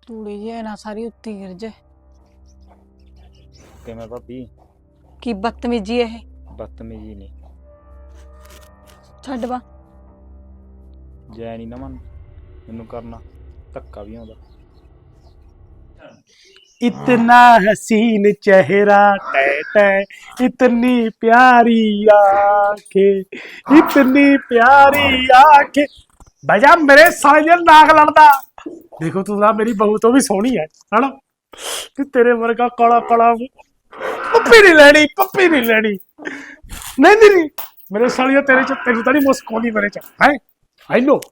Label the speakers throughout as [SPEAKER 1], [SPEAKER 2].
[SPEAKER 1] ਤੂੜੀ ਜੇ ਨਾ ਸਾਰੀ ਉੱਤੀ ਗਿਰ ਜੇ।
[SPEAKER 2] ਕਿਵੇਂ ਭਾਬੀ?
[SPEAKER 1] ਕੀ ਬਦਤਮੀਜੀ ਇਹ।
[SPEAKER 2] ਬਦਤਮੀਜੀ ਨਹੀਂ,
[SPEAKER 1] ਛੱਡ ਵਾ।
[SPEAKER 2] ਜੈ ਨਹੀਂ ਨਾ ਮਨ ਮੈਨੂੰ करना धक्का भी आਉਂਦਾ।
[SPEAKER 3] इतना हसीन चेहरा टै टै, इतनी प्यारी आंखें, इतनी प्यारी आंखें। भैया मेरे साले नाक लड़दा। देखो तू ना मेरी बहू तो भी सोहनी है ना? कि तेरे वर्गा काला काला पप्पी नहीं लेनी, पप्पी नहीं लेनी। नहीं नहीं मेरे सालिया तेरे च तेरी तो नहीं मुस्कोनी मेरे च है। आई नो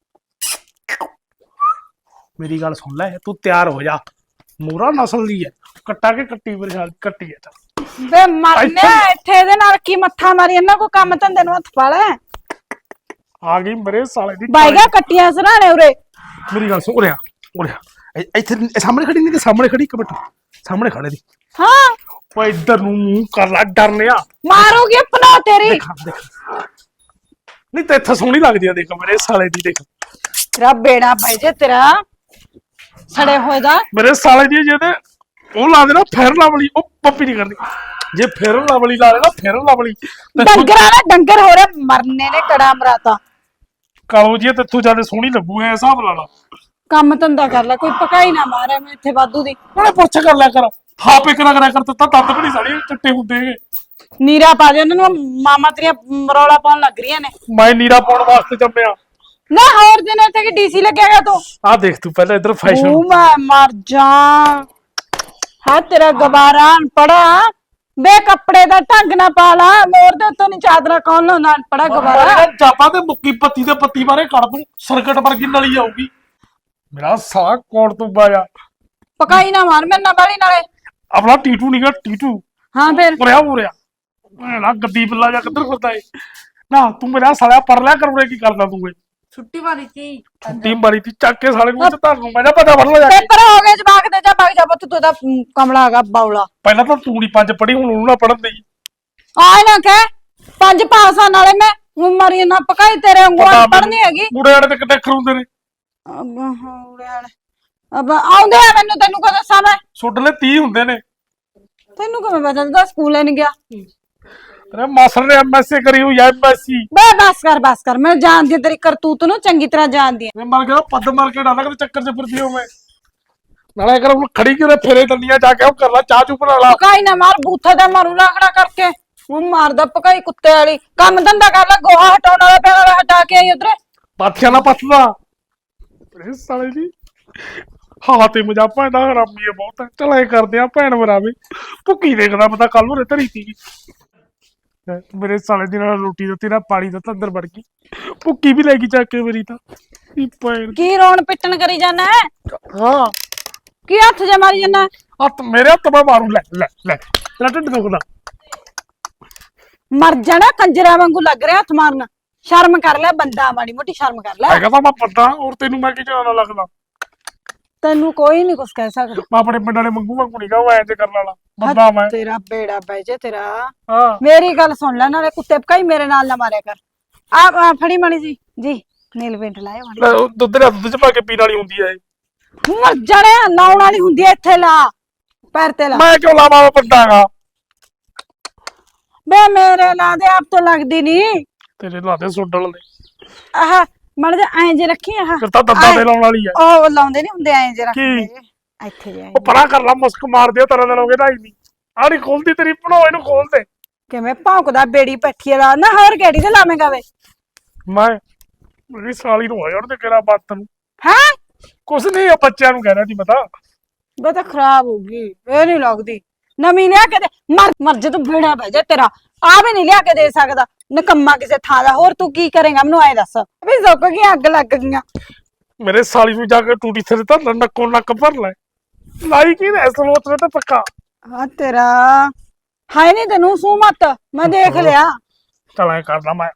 [SPEAKER 3] मेरी गल सुन ले, तू तैयार हो जा। ਮੂਰਾ ਨਸਲ ਦੀ ਹੈ, ਕੱਟਾ ਕੇ ਕੱਟੀ ਪਰੇਸ਼ਾਨ ਕੱਟੀ ਹੈ ਤਾਂ
[SPEAKER 1] ਬੇ ਮਰਨੇ ਇੱਥੇ ਇਹਦੇ ਨਾਲ ਕੀ ਮੱਥਾ ਮਾਰੀ ਇਹਨਾਂ ਕੋ ਕੰਮ ਧੰਦੇ ਨੂੰ ਹੱਥ ਪਾ ਲੈ।
[SPEAKER 3] ਆ ਗਈ ਮੇਰੇ ਸਾਲੇ ਦੀ
[SPEAKER 1] ਬਾਈਗਾ ਕੱਟੀਆਂ ਸਰਾਣੇ ਉਰੇ।
[SPEAKER 3] ਮੇਰੀ ਗੱਲ ਸੁਣ ਉਰਿਆ ਉਰਿਆ ਇੱਥੇ ਸਾਹਮਣੇ ਖੜੀ ਨਹੀਂ ਤੇ ਸਾਹਮਣੇ ਖੜੀ ਇੱਕ ਮਿੰਟ ਸਾਹਮਣੇ ਖੜੇ ਦੀ।
[SPEAKER 1] ਹਾਂ
[SPEAKER 3] ਓਏ ਇੱਧਰ ਨੂੰ ਮੂੰਹ ਕਰ ਲੈ ਡਰਨਿਆ
[SPEAKER 1] ਮਾਰੂਗੀ ਆਪਣਾ ਤੇਰੀ।
[SPEAKER 3] ਦੇਖ ਨਹੀਂ ਤੇ ਇੱਥੇ ਸੋਹਣੀ ਲੱਗਦੀ ਆ, ਦੇਖ ਮੇਰੇ ਸਾਲੇ ਦੀ ਦੇਖ।
[SPEAKER 1] ਤੇਰਾ ਬੇੜਾ ਭਾਈ ਜੇ ਤੇਰਾ ਸੜੇ ਹੋਏ ਦਾ
[SPEAKER 3] ਮੇਰੇ ਸਾਲੇ ਦੀ ਜਿਹਦੇ ਉਹ ਲਾ ਦੇ ਨਾ ਫੇਰਨ ਵਾਲੀ, ਉਹ ਪੱਪੀ ਨਹੀਂ ਕਰਦੀ। ਜੇ ਫੇਰਨ ਵਾਲੀ ਲਾ ਦੇ ਨਾ ਫੇਰਨ ਵਾਲੀ
[SPEAKER 1] ਡੰਗਰਾਂ ਦਾ ਡੰਗਰ ਹੋ ਰਿਹਾ ਮਰਨੇ ਨੇ ਕੜਾ ਮਰਾਤਾ।
[SPEAKER 3] ਕਾਲੋ ਜੀ ਤੇਥੋਂ ਜਿਆਦਾ ਸੋਹਣੀ ਲੱਗੂ ਐ ਹਿਸਾਬ ਲਾ ਲਾ।
[SPEAKER 1] ਕੰਮ ਧੰਦਾ ਕਰ ਲੈ, ਕੋਈ ਪਕਾਈ ਨਾ ਮਾਰੇ ਮੈਂ ਇੱਥੇ ਵਾਧੂ ਦੀ।
[SPEAKER 3] ਉਹਨੇ ਪੁੱਛ ਕਰ ਲਿਆ ਕਰ, ਹਾਪ ਇੱਕ ਨਾ ਕਰਿਆ ਕਰ, ਤਾਂ ਦੰਦ ਵੀ ਨਹੀਂ ਸਾੜੇ ਚਿੱਟੇ ਹੁੰਦੇ ਹੈਗੇ।
[SPEAKER 1] ਨੀਰਾ ਪਾ ਦੇ ਉਹਨਾਂ ਨੂੰ, ਮਾਮਾ ਤੇਰੀਆਂ ਰੌਲਾ ਪਾਉਣ ਲੱਗ ਰਹੀਆਂ ਨੇ।
[SPEAKER 3] ਮੈਂ ਨੀਰਾ ਪਾਉਣ ਵਾਸਤੇ ਜੰਮਿਆ
[SPEAKER 1] ਨਾ ਹੋਰ ਦਿਨ ਇੱਥੇ ਕਿ ਡੀਸੀ ਲੱਗਿਆਗਾ ਤੂੰ।
[SPEAKER 3] ਆ ਦੇਖ ਤੂੰ ਪਹਿਲਾਂ ਇੱਧਰ ਫੈਸ਼ਨ।
[SPEAKER 1] ਉਹ ਮੈਂ ਮਰ ਜਾ ਹਾਂ ਤੇਰਾ ਗਵਾਰਾ ਪੜਾ ਬੇ ਕੱਪੜੇ ਦਾ ਢੰਗ ਨਾ ਪਾ ਲਾ। ਮੋਰ ਦੇ ਉੱਤੋਂ ਨਹੀਂ ਚਾਦਰਾ ਕੌਣ ਲਾਉਂਦਾ ਪੜਾ ਗਵਾਰਾ।
[SPEAKER 3] ਜਾਪਾ ਤੇ ਮੁੱਕੀ ਪੱਤੀ ਦੇ ਪੱਤੀ ਬਾਰੇ ਕੱਢ ਦੂੰ, ਸਰਕਟ ਵਰਗੀ ਨਲੀ ਆਊਗੀ। ਮੇਰਾ ਸਾਲਾ ਕੋਣ ਤੂੰ ਬਾਇਆ
[SPEAKER 1] ਪਕਾਈ ਨਾ ਮਾਰ ਮੇਰੇ ਨਾਲ ਬਾਲੀ ਨਾਲੇ।
[SPEAKER 3] ਆਪਣਾ ਟੀਟੂ ਨੀਗਾ ਟੀਟੂ।
[SPEAKER 1] ਹਾਂ ਫਿਰ
[SPEAKER 3] ਉਰਿਆ ਨਾ ਗੱਦੀ ਬੱਲਾ ਜਾ ਕਿੱਧਰ ਫਿਰਦਾ ਏ ਨਾ। ਤੂੰ ਮੇਰਾ ਸਾਲਿਆ ਪਰ ਲਿਆ ਕਰ, ਕੀ ਕਰਦਾ ਤੂੰ ਏ?
[SPEAKER 1] ਛੁੱਟੀ ਵਾਲੀ ਸੀ
[SPEAKER 3] ਛੁੱਟੀ ਮਾਰੀ ਤੀ ਚੱਕ ਕੇ ਸਾਲੇ ਨੂੰ ਧਰ ਨੂੰ। ਮੈਂ ਨਾ ਪਤਾ ਫੜ ਲੈ ਜਾ ਕੇ।
[SPEAKER 1] ਪੇਪਰ ਹੋ ਗਏ ਜਵਾਕ ਦੇ ਜਾ ਬਾਗ ਜਾ ਪੁੱਤ, ਤੂੰ ਤਾਂ ਕਮਲਾ ਹੈਗਾ ਬਾਉਲਾ।
[SPEAKER 3] ਪਹਿਲਾਂ ਤਾਂ ਤੂੰ ਨਹੀਂ ਪੰਜ ਪੜੀ, ਹੁਣ ਉਹਨੂੰ ਨਾ ਪੜਨ ਦੇਈ।
[SPEAKER 1] ਆਏ ਨਾ ਕਹਿ 5 ਪਾਸਾਂ ਨਾਲੇ ਮੈਂ ਹੁਣ ਮਰੀ ਨਾ ਪਕਾਈ ਤੇਰੇ ਵਾਂਗੂ ਪੜਨੀ ਹੈਗੀ।
[SPEAKER 3] ਮੁੰਡੇ ਵਾਲੇ ਤੇ ਕਿੱਡੇ ਖਰੂੰਦੇ ਨੇ।
[SPEAKER 1] ਅਬ ਆਉਂਦੇ ਆ ਮੈਨੂੰ, ਤੈਨੂੰ ਕੋ ਦੱਸਾਂ ਮੈਂ।
[SPEAKER 3] ਸੁੱਟ ਲੈ 30 ਹੁੰਦੇ ਨੇ।
[SPEAKER 1] ਤੈਨੂੰ ਕਿਵੇਂ ਪਤਾ ਤੂੰ ਸਕੂਲੇ ਨਹੀਂ ਗਿਆ?
[SPEAKER 3] ਤੇਰੇ ਮਾਸਰ ਨੇ ਐਮਐਸਸੀ ਕਰੀ ਹੋਈ ਐ, ਐਮਐਸਸੀ।
[SPEAKER 1] ਬੇ ਬਸ ਕਰ ਮੈਂ ਜਾਣਦੀ ਤੇਰੀ ਕਰਤੂਤ ਨੂੰ ਚੰਗੀ ਤਰ੍ਹਾਂ ਜਾਣਦੀ ਆ।
[SPEAKER 3] ਮੈਂ ਮਰ ਗਿਆ ਪੱਦ ਮਾਰ ਕੇ ਡਾਲਾ, ਕਿਤੇ ਚੱਕਰ ਚ ਫਿਰਦੀ ਹੋ ਮੈਂ। ਨਾਲੇ ਕਰ ਹੁਣ ਖੜੀ ਕਿਉਂ ਫੇਰੇ ਦੰਦੀਆਂ ਜਾ ਕੇ ਉਹ ਕਰ ਲੈ, ਚਾਹ ਚੂ ਬਣਾ ਲਾ।
[SPEAKER 1] ਪਕਾਈ ਨਾ ਮਾਰ ਬੂਥਾ ਦਾ ਮਾਰੂ ਲਾਖੜਾ ਕਰਕੇ। ਉਹ ਮਾਰਦਾ ਪਕਾਈ ਕੁੱਤੇ ਵਾਲੀ। ਕੰਮ ਧੰਦਾ ਕਰ ਲੈ, ਗੋਹਾ ਹਟਾਉਣ ਵਾਲਾ ਪਿਆ ਹੋਇਆ ਹਟਾ ਕੇ ਆਈ ਉਧਰੇ।
[SPEAKER 3] ਪਾਥੀਆਂ ਨਾ ਪੱਥਦਾ ਇਹ ਸਾਲੇ ਜੀ। ਹਾਂ ਤੇ ਮਜਾ ਪੈਂਦਾ ਹਰਾਮੀ ਹੈ ਬਹੁਤ। ਚਲ ਐ ਕਰਦੇ ਆ ਭੈਣ ਬਰਾਵੇ ਭੁੱਕੀ ਦੇਖਦਾ ਪਤਾ ਕੱਲ ਨੂੰ ਧਰੀ ਤੀ ਮੇਰੇ ਸਾਲੇ ਦੀ ਨਾਲ ਰੋਟੀ ਦਿੱਤੀ ਨਾ ਪਾਣੀ ਦਾ ਤਾਂ ਅੰਦਰ ਵੜ ਗਈ। ਭੁੱਕੀ ਵੀ ਲੈ ਗਈ ਚੱਕ ਕੇ ਮੇਰੀ ਤਾਂ ਭੈਣ।
[SPEAKER 1] ਕੀ ਰੋਣ ਪਿੱਟਣ ਕਰੀ ਜਾਣਾ?
[SPEAKER 3] ਹਾਂ
[SPEAKER 1] ਕੀ ਹੱਥ ਜੇ ਮਾਰੀ ਜਾਣਾ?
[SPEAKER 3] ਹੱਥ ਮੇਰੇ ਹੱਥ ਮੈਂ ਮਾਰੂ। ਲੈ ਲੈ ਲੈ ਤੇਰਾ ਢਿੱਡ ਦੁਖਦਾ।
[SPEAKER 1] ਮਰ ਜਾਣਾ ਕੰਜਰਾ ਵਾਂਗੂ ਲੱਗ ਰਿਹਾ ਹੱਥ ਮਾਰਨਾ। ਸ਼ਰਮ ਕਰ ਲੈ ਬੰਦਾ, ਮਾੜੀ ਮੋਟੀ ਸ਼ਰਮ ਕਰ ਲੈ।
[SPEAKER 3] ਹੈਗਾ ਤਾਂ ਮੈਂ ਪੱਦਾ, ਔਰ ਤੈਨੂੰ ਮੈਂ ਕੀ ਜਾਣਾ ਲੱਗਦਾ।
[SPEAKER 1] ਤੈਨੂੰ ਕੋਈ ਨਹੀਂ ਕੁਛ ਕਹਿ ਸਕਦਾ।
[SPEAKER 3] ਮੈਂ ਆਪਣੇ ਪਿੰਡ ਵਾਲੇ ਮੰਗੂ ਵਾਂਗੂ ਨੀਗਾ ਉਹ ਐਂ ਜੇ ਕਰਨ ਵਾਲਾ ਬੰਦਾ ਮੈਂ।
[SPEAKER 1] ਤੇਰਾ ਬੇੜਾ ਬੈ ਜੇ ਤੇਰਾ।
[SPEAKER 3] ਹਾਂ
[SPEAKER 1] ਮੇਰੀ ਗੱਲ ਸੁਣ ਲੈ, ਨਾਲੇ ਕੁੱਤੇ ਪਕਾਈ ਮੇਰੇ ਨਾਲ ਨਾ ਮਾਰਿਆ ਕਰ। ਆ ਫੜੀ ਮਾੜੀ ਜੀ ਨੀਲ ਪੇਂਟ ਲਾਇਆ ਮਾੜੀ।
[SPEAKER 3] ਲੈ ਉਹ ਦੁੱਧ ਦੇ ਦੁੱਧ ਚ ਪਾ ਕੇ ਪੀਣ ਵਾਲੀ ਹੁੰਦੀ ਐ।
[SPEAKER 1] ਮਰ ਜਾਣਿਆ ਲਾਉਣ ਵਾਲੀ ਹੁੰਦੀ ਐ। ਇੱਥੇ ਲਾ ਪੈਰ ਤੇ ਲਾ।
[SPEAKER 3] ਮੈਂ ਕਿਉਂ ਲਾਵਾਂ, ਮੈਂ ਪੱਦਾਗਾ।
[SPEAKER 1] ਬੇ ਮੇਰੇ ਲਾ ਦੇ, ਆਪ ਤੋਂ ਲੱਗਦੀ ਨਹੀਂ।
[SPEAKER 3] ਤੇਰੇ ਲਾ ਦੇ ਸੁੱਡਲ ਦੇ।
[SPEAKER 1] ਆਹ ਮੜ ਜਾ ਐਂ ਜੇ ਰੱਖੀ। ਆਹ
[SPEAKER 3] ਫਿਰ ਤਾਂ ਦੰਦਾਂ ਤੇ ਲਾਉਣ ਵਾਲੀ ਐ।
[SPEAKER 1] ਉਹ ਲਾਉਂਦੇ ਨਹੀਂ ਹੁੰਦੇ ਐਂ ਜੇ ਰੱਖਦੇ
[SPEAKER 3] ਕੀ?
[SPEAKER 1] ਇੱਥੇ ਜੇ
[SPEAKER 3] ਉਹ ਪਰਾਂ ਕਰ ਲਾ, ਮੁਸਕ ਮਾਰ ਦਿਓ ਤਰ੍ਹਾਂ ਦਾ ਲੋਗੇ ਢਾਈ ਨਹੀਂ। ਆਹ ਨਹੀਂ ਖੋਲਦੀ ਤੇਰੀ ਭਣੋ, ਇਹਨੂੰ ਖੋਲ ਦੇ।
[SPEAKER 1] ਕਿਵੇਂ ਭੌਂਕਦਾ ਬੇੜੀ ਪੱਠੀ ਵਾਲਾ ਨਾ। ਹੋਰ ਕਿਹੜੀ ਤੇ ਲਾਵੇਂਗਾ ਵੇ?
[SPEAKER 3] ਮੈਂ ਮੇਰੀ ਸਾਲੀ ਨੂੰ ਹੋਇਆ ਉਹਦੇ ਕਿਹੜਾ ਬਾਤ ਨੂੰ।
[SPEAKER 1] ਹੈਂ
[SPEAKER 3] ਕੁਛ ਨਹੀਂ, ਆ ਬੱਚਿਆਂ ਨੂੰ ਕਹਿਣਾ ਸੀ ਪਤਾ।
[SPEAKER 1] ਬੇ ਤਾਂ ਖਰਾਬ ਹੋ ਗਈ, ਇਹ ਨਹੀਂ ਲੱਗਦੀ। ਨਵੀਂ ਲਿਆ ਕੇ ਦੇ। ਮਰ ਜੇ ਤੂੰ ਬੇੜਾ ਬਹਿ ਜਾ ਤੇਰਾ। ਆ ਵੀ ਨਹੀਂ ਲਿਆ ਕੇ ਦੇ ਸਕਦਾ ਨਕੰਮਾ ਕਿਸੇ ਥਾਂ ਦਾ। ਹੋਰ ਤੂੰ ਕੀ ਕਰੇਗਾ ਮੈਨੂੰ ਐ ਦੱਸ। ਵੀ ਸੁੱਕ ਗਈਆਂ, ਅੱਗ ਲੱਗ ਗਈਆਂ।
[SPEAKER 3] ਮੇਰੇ ਸਾਲੀ ਨੂੰ ਜਾ ਕੇ ਟੂਟੀ ਥੱਲੇ ਤਾਂ ਨੱਕੋ ਨੱਕ ਭਰ ਲੈ। ਲਾਈ ਕੀ ਨੇ ਸਲੋਤ ਨੇ ਤਾਂ ਪੱਕਾ।
[SPEAKER 1] ਹਾਂ ਤੇਰਾ ਹਾਏ ਨਹੀਂ ਤੈਨੂੰ ਸੂ ਮਤ, ਮੈਂ ਦੇਖ ਲਿਆ।
[SPEAKER 3] ਚਲ ਐ ਕਰਦਾ ਮੈਂ।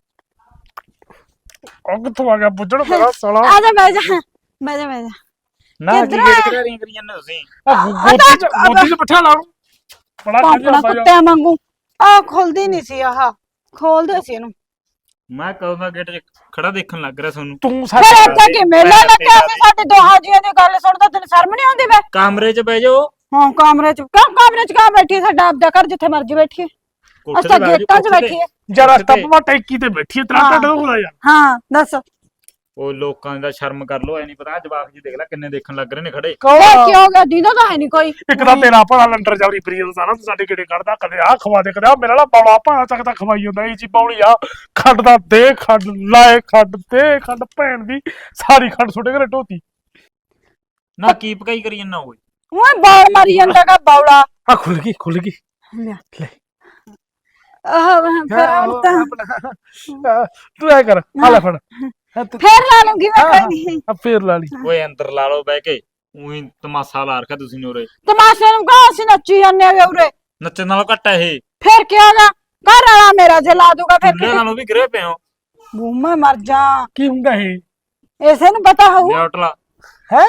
[SPEAKER 3] ਉਹ ਕਿੱਥੋਂ ਆ ਗਿਆ ਬੁੱਝਣ ਮੇਰਾ ਸਾਲਾ।
[SPEAKER 1] ਆ ਜਾ ਬਹਿ ਜਾ ਬਹਿ ਜਾ
[SPEAKER 2] ਨਾ ਕੀ
[SPEAKER 1] ਕਿੱਧਰ
[SPEAKER 2] ਗੇਟ ਕਰਾਰੀਆਂ ਕਰੀ ਜਾਂਦੇ ਤੁਸੀਂ?
[SPEAKER 3] ਗੋਦੀ ਚ ਬਿਠਾ ਲਾ ਉਹਨੂੰ। ਬੜਾ
[SPEAKER 1] ਪਾਪੜਾ ਕੁੱਤਿਆਂ ਵਾਂਗੂ। ਆ ਖੁੱਲਦੀ ਨਹੀਂ ਸੀ। ਆਹ ਖੋਲਦੇ ਸੀ ਇਹਨੂੰ।
[SPEAKER 2] ਮੈਂ ਕਦੋਂ ਦਾ ਗੇਟ 'ਚ ਖੜਾ ਦੇਖਣ ਲੱਗ ਰਿਹਾ ਤੁਹਾਨੂੰ।
[SPEAKER 3] ਤੂੰ
[SPEAKER 1] ਫਿਰ ਇੱਥੇ ਕਿ ਮੇਲਾ ਲੱਗਿਆ ਸੀ ਸਾਡੇ ਦੋਹਾਂ ਜੀਆਂ ਦੀ ਗੱਲ ਸੁਣਦਾ ਤੈਨੂੰ ਸ਼ਰਮ ਨਹੀਂ ਆਉਂਦੀ ਵੇ?
[SPEAKER 2] ਕਮਰੇ 'ਚ ਬਹਿ ਜਾਓ।
[SPEAKER 1] ਹਾਂ ਕਮਰੇ ਚ ਕਾ ਬੈਠੀ ਸਾਡਾ ਆਪਦਾ ਘਰ ਜਿੱਥੇ ਮਰਜੀ ਬੈਠੀਏ।
[SPEAKER 2] ਕੋਠੇ
[SPEAKER 1] ਅਸਾਂ
[SPEAKER 2] ਤੇ ਬਹਿ
[SPEAKER 1] ਗੇਟਾਂ ਚ
[SPEAKER 2] ਜਾਓ, ਕੋਠੇ ਤੇ।
[SPEAKER 1] ਬੈਠੀਏ।
[SPEAKER 3] ਜਰਾ
[SPEAKER 2] ਕੋਠੇ ਤੇ।
[SPEAKER 3] ਸਟੱਪ ਟੈਂਕੀ ਤੇ ਬੈਠੀ ਤੇਰਾ
[SPEAKER 1] ਹਾਂ।
[SPEAKER 3] ਢਿੱਡ ਦੁਖਦਾ ਯਾਰ।
[SPEAKER 1] ਹਾਂ ਦੱਸ
[SPEAKER 2] ਉਹ ਲੋਕਾਂ ਦਾ ਸ਼ਰਮ ਕਰ ਲੋ, ਐ ਨਹੀਂ ਪਤਾ ਜਵਾਕ ਜੀ ਦੇਖ ਲੈ ਕਿੰਨੇ ਦੇਖਣ ਲੱਗ ਰਹੇ ਨੇ ਖੜੇ।
[SPEAKER 1] ਇਹ ਕੀ ਹੋ ਗਿਆ? ਦੀਦਾ ਤਾਂ ਹੈ ਨਹੀਂ ਕੋਈ।
[SPEAKER 3] ਇੱਕ ਤਾਂ ਤੇਰਾ ਭਰਾ ਲੰਡਰ ਜਾਵਰੀ ਪ੍ਰੀਤ ਸਾਰਾ ਤੂੰ ਸਾਡੇ ਕਿਹੜੇ ਕੱਢਦਾ, ਕਦੇ ਆਹ ਖਵਾ ਦੇ, ਕਦੇ ਆਹ ਮੇਰਾ ਵਾਲਾ ਬੌਲਾ ਭਾਣਾ ਚੱਕ ਤਾਂ ਖਵਾਈ ਹੁੰਦਾ ਇਹ ਜੀ ਬੌਲੀ ਆ ਖੰਡ ਦਾ ਦੇ ਖੰਡ ਲਾਏ ਖੰਡ ਦੇ ਖੰਡ ਭੈਣ ਦੀ ਸਾਰੀ ਖੰਡ ਸੁੱਟੇ ਘਰੇ ਢੋਤੀ।
[SPEAKER 2] ਨਾ ਕੀ ਪਕਾਈ ਕਰੀ ਜੰਨਾ ਓਏ।
[SPEAKER 1] ਓਏ ਬਾਲ ਮਾਰੀ ਜਾਂਦਾ ਕਾ ਬੌਲਾ।
[SPEAKER 3] ਆ ਖੁੱਲ ਗਈ
[SPEAKER 1] ਲਿਆ
[SPEAKER 3] ਲੈ।
[SPEAKER 1] ਆਹ ਫਿਰ ਹੁਣ ਤਾਂ
[SPEAKER 3] ਤੂੰ ਐ ਕਰ ਆ ਲੈ ਫੜ
[SPEAKER 1] ਫੇਰ ਲਾ ਲੂੰਗੀ ਮੈਂ ਕੋਈ ਨਹੀਂ।
[SPEAKER 3] ਆ ਫੇਰ ਲਾ ਲਈ।
[SPEAKER 2] ਓਏ ਅੰਦਰ ਲਾ ਲਓ ਬਹਿ ਕੇ, ਉਹੀ ਤਮਾਸ਼ਾ ਲਾ ਰੱਖਿਆ ਤੁਸੀਂ ਨੇ ਉਰੇ।
[SPEAKER 1] ਤਮਾਸ਼ੇ ਨੂੰ ਕਹਾਂ ਅਸੀਂ ਨੱਚੀ ਜਾਂਦੇ ਆ ਉਰੇ।
[SPEAKER 2] ਨੱਚਣ ਨਾਲੋਂ ਘੱਟ ਆ ਇਹ।
[SPEAKER 1] ਫੇਰ ਕੀ ਹੋਗਾ? ਘਰ ਵਾਲਾ ਮੇਰਾ ਜੇ ਲਾ ਦੂਗਾ ਫਿਰ
[SPEAKER 2] ਮੁੰਡੇ ਨਾਲੋਂ ਵੀ ਗਿਰੇ ਪਏ ਹੋ।
[SPEAKER 1] ਬੂਮਾ ਮਰ ਜਾ।
[SPEAKER 3] ਕੀ ਹੁੰਦਾ ਇਹ?
[SPEAKER 1] ਇਸੇ ਨੂੰ ਪਤਾ ਹੋਊ।
[SPEAKER 2] ਨਿਊਟਲਾ
[SPEAKER 3] ਹੈ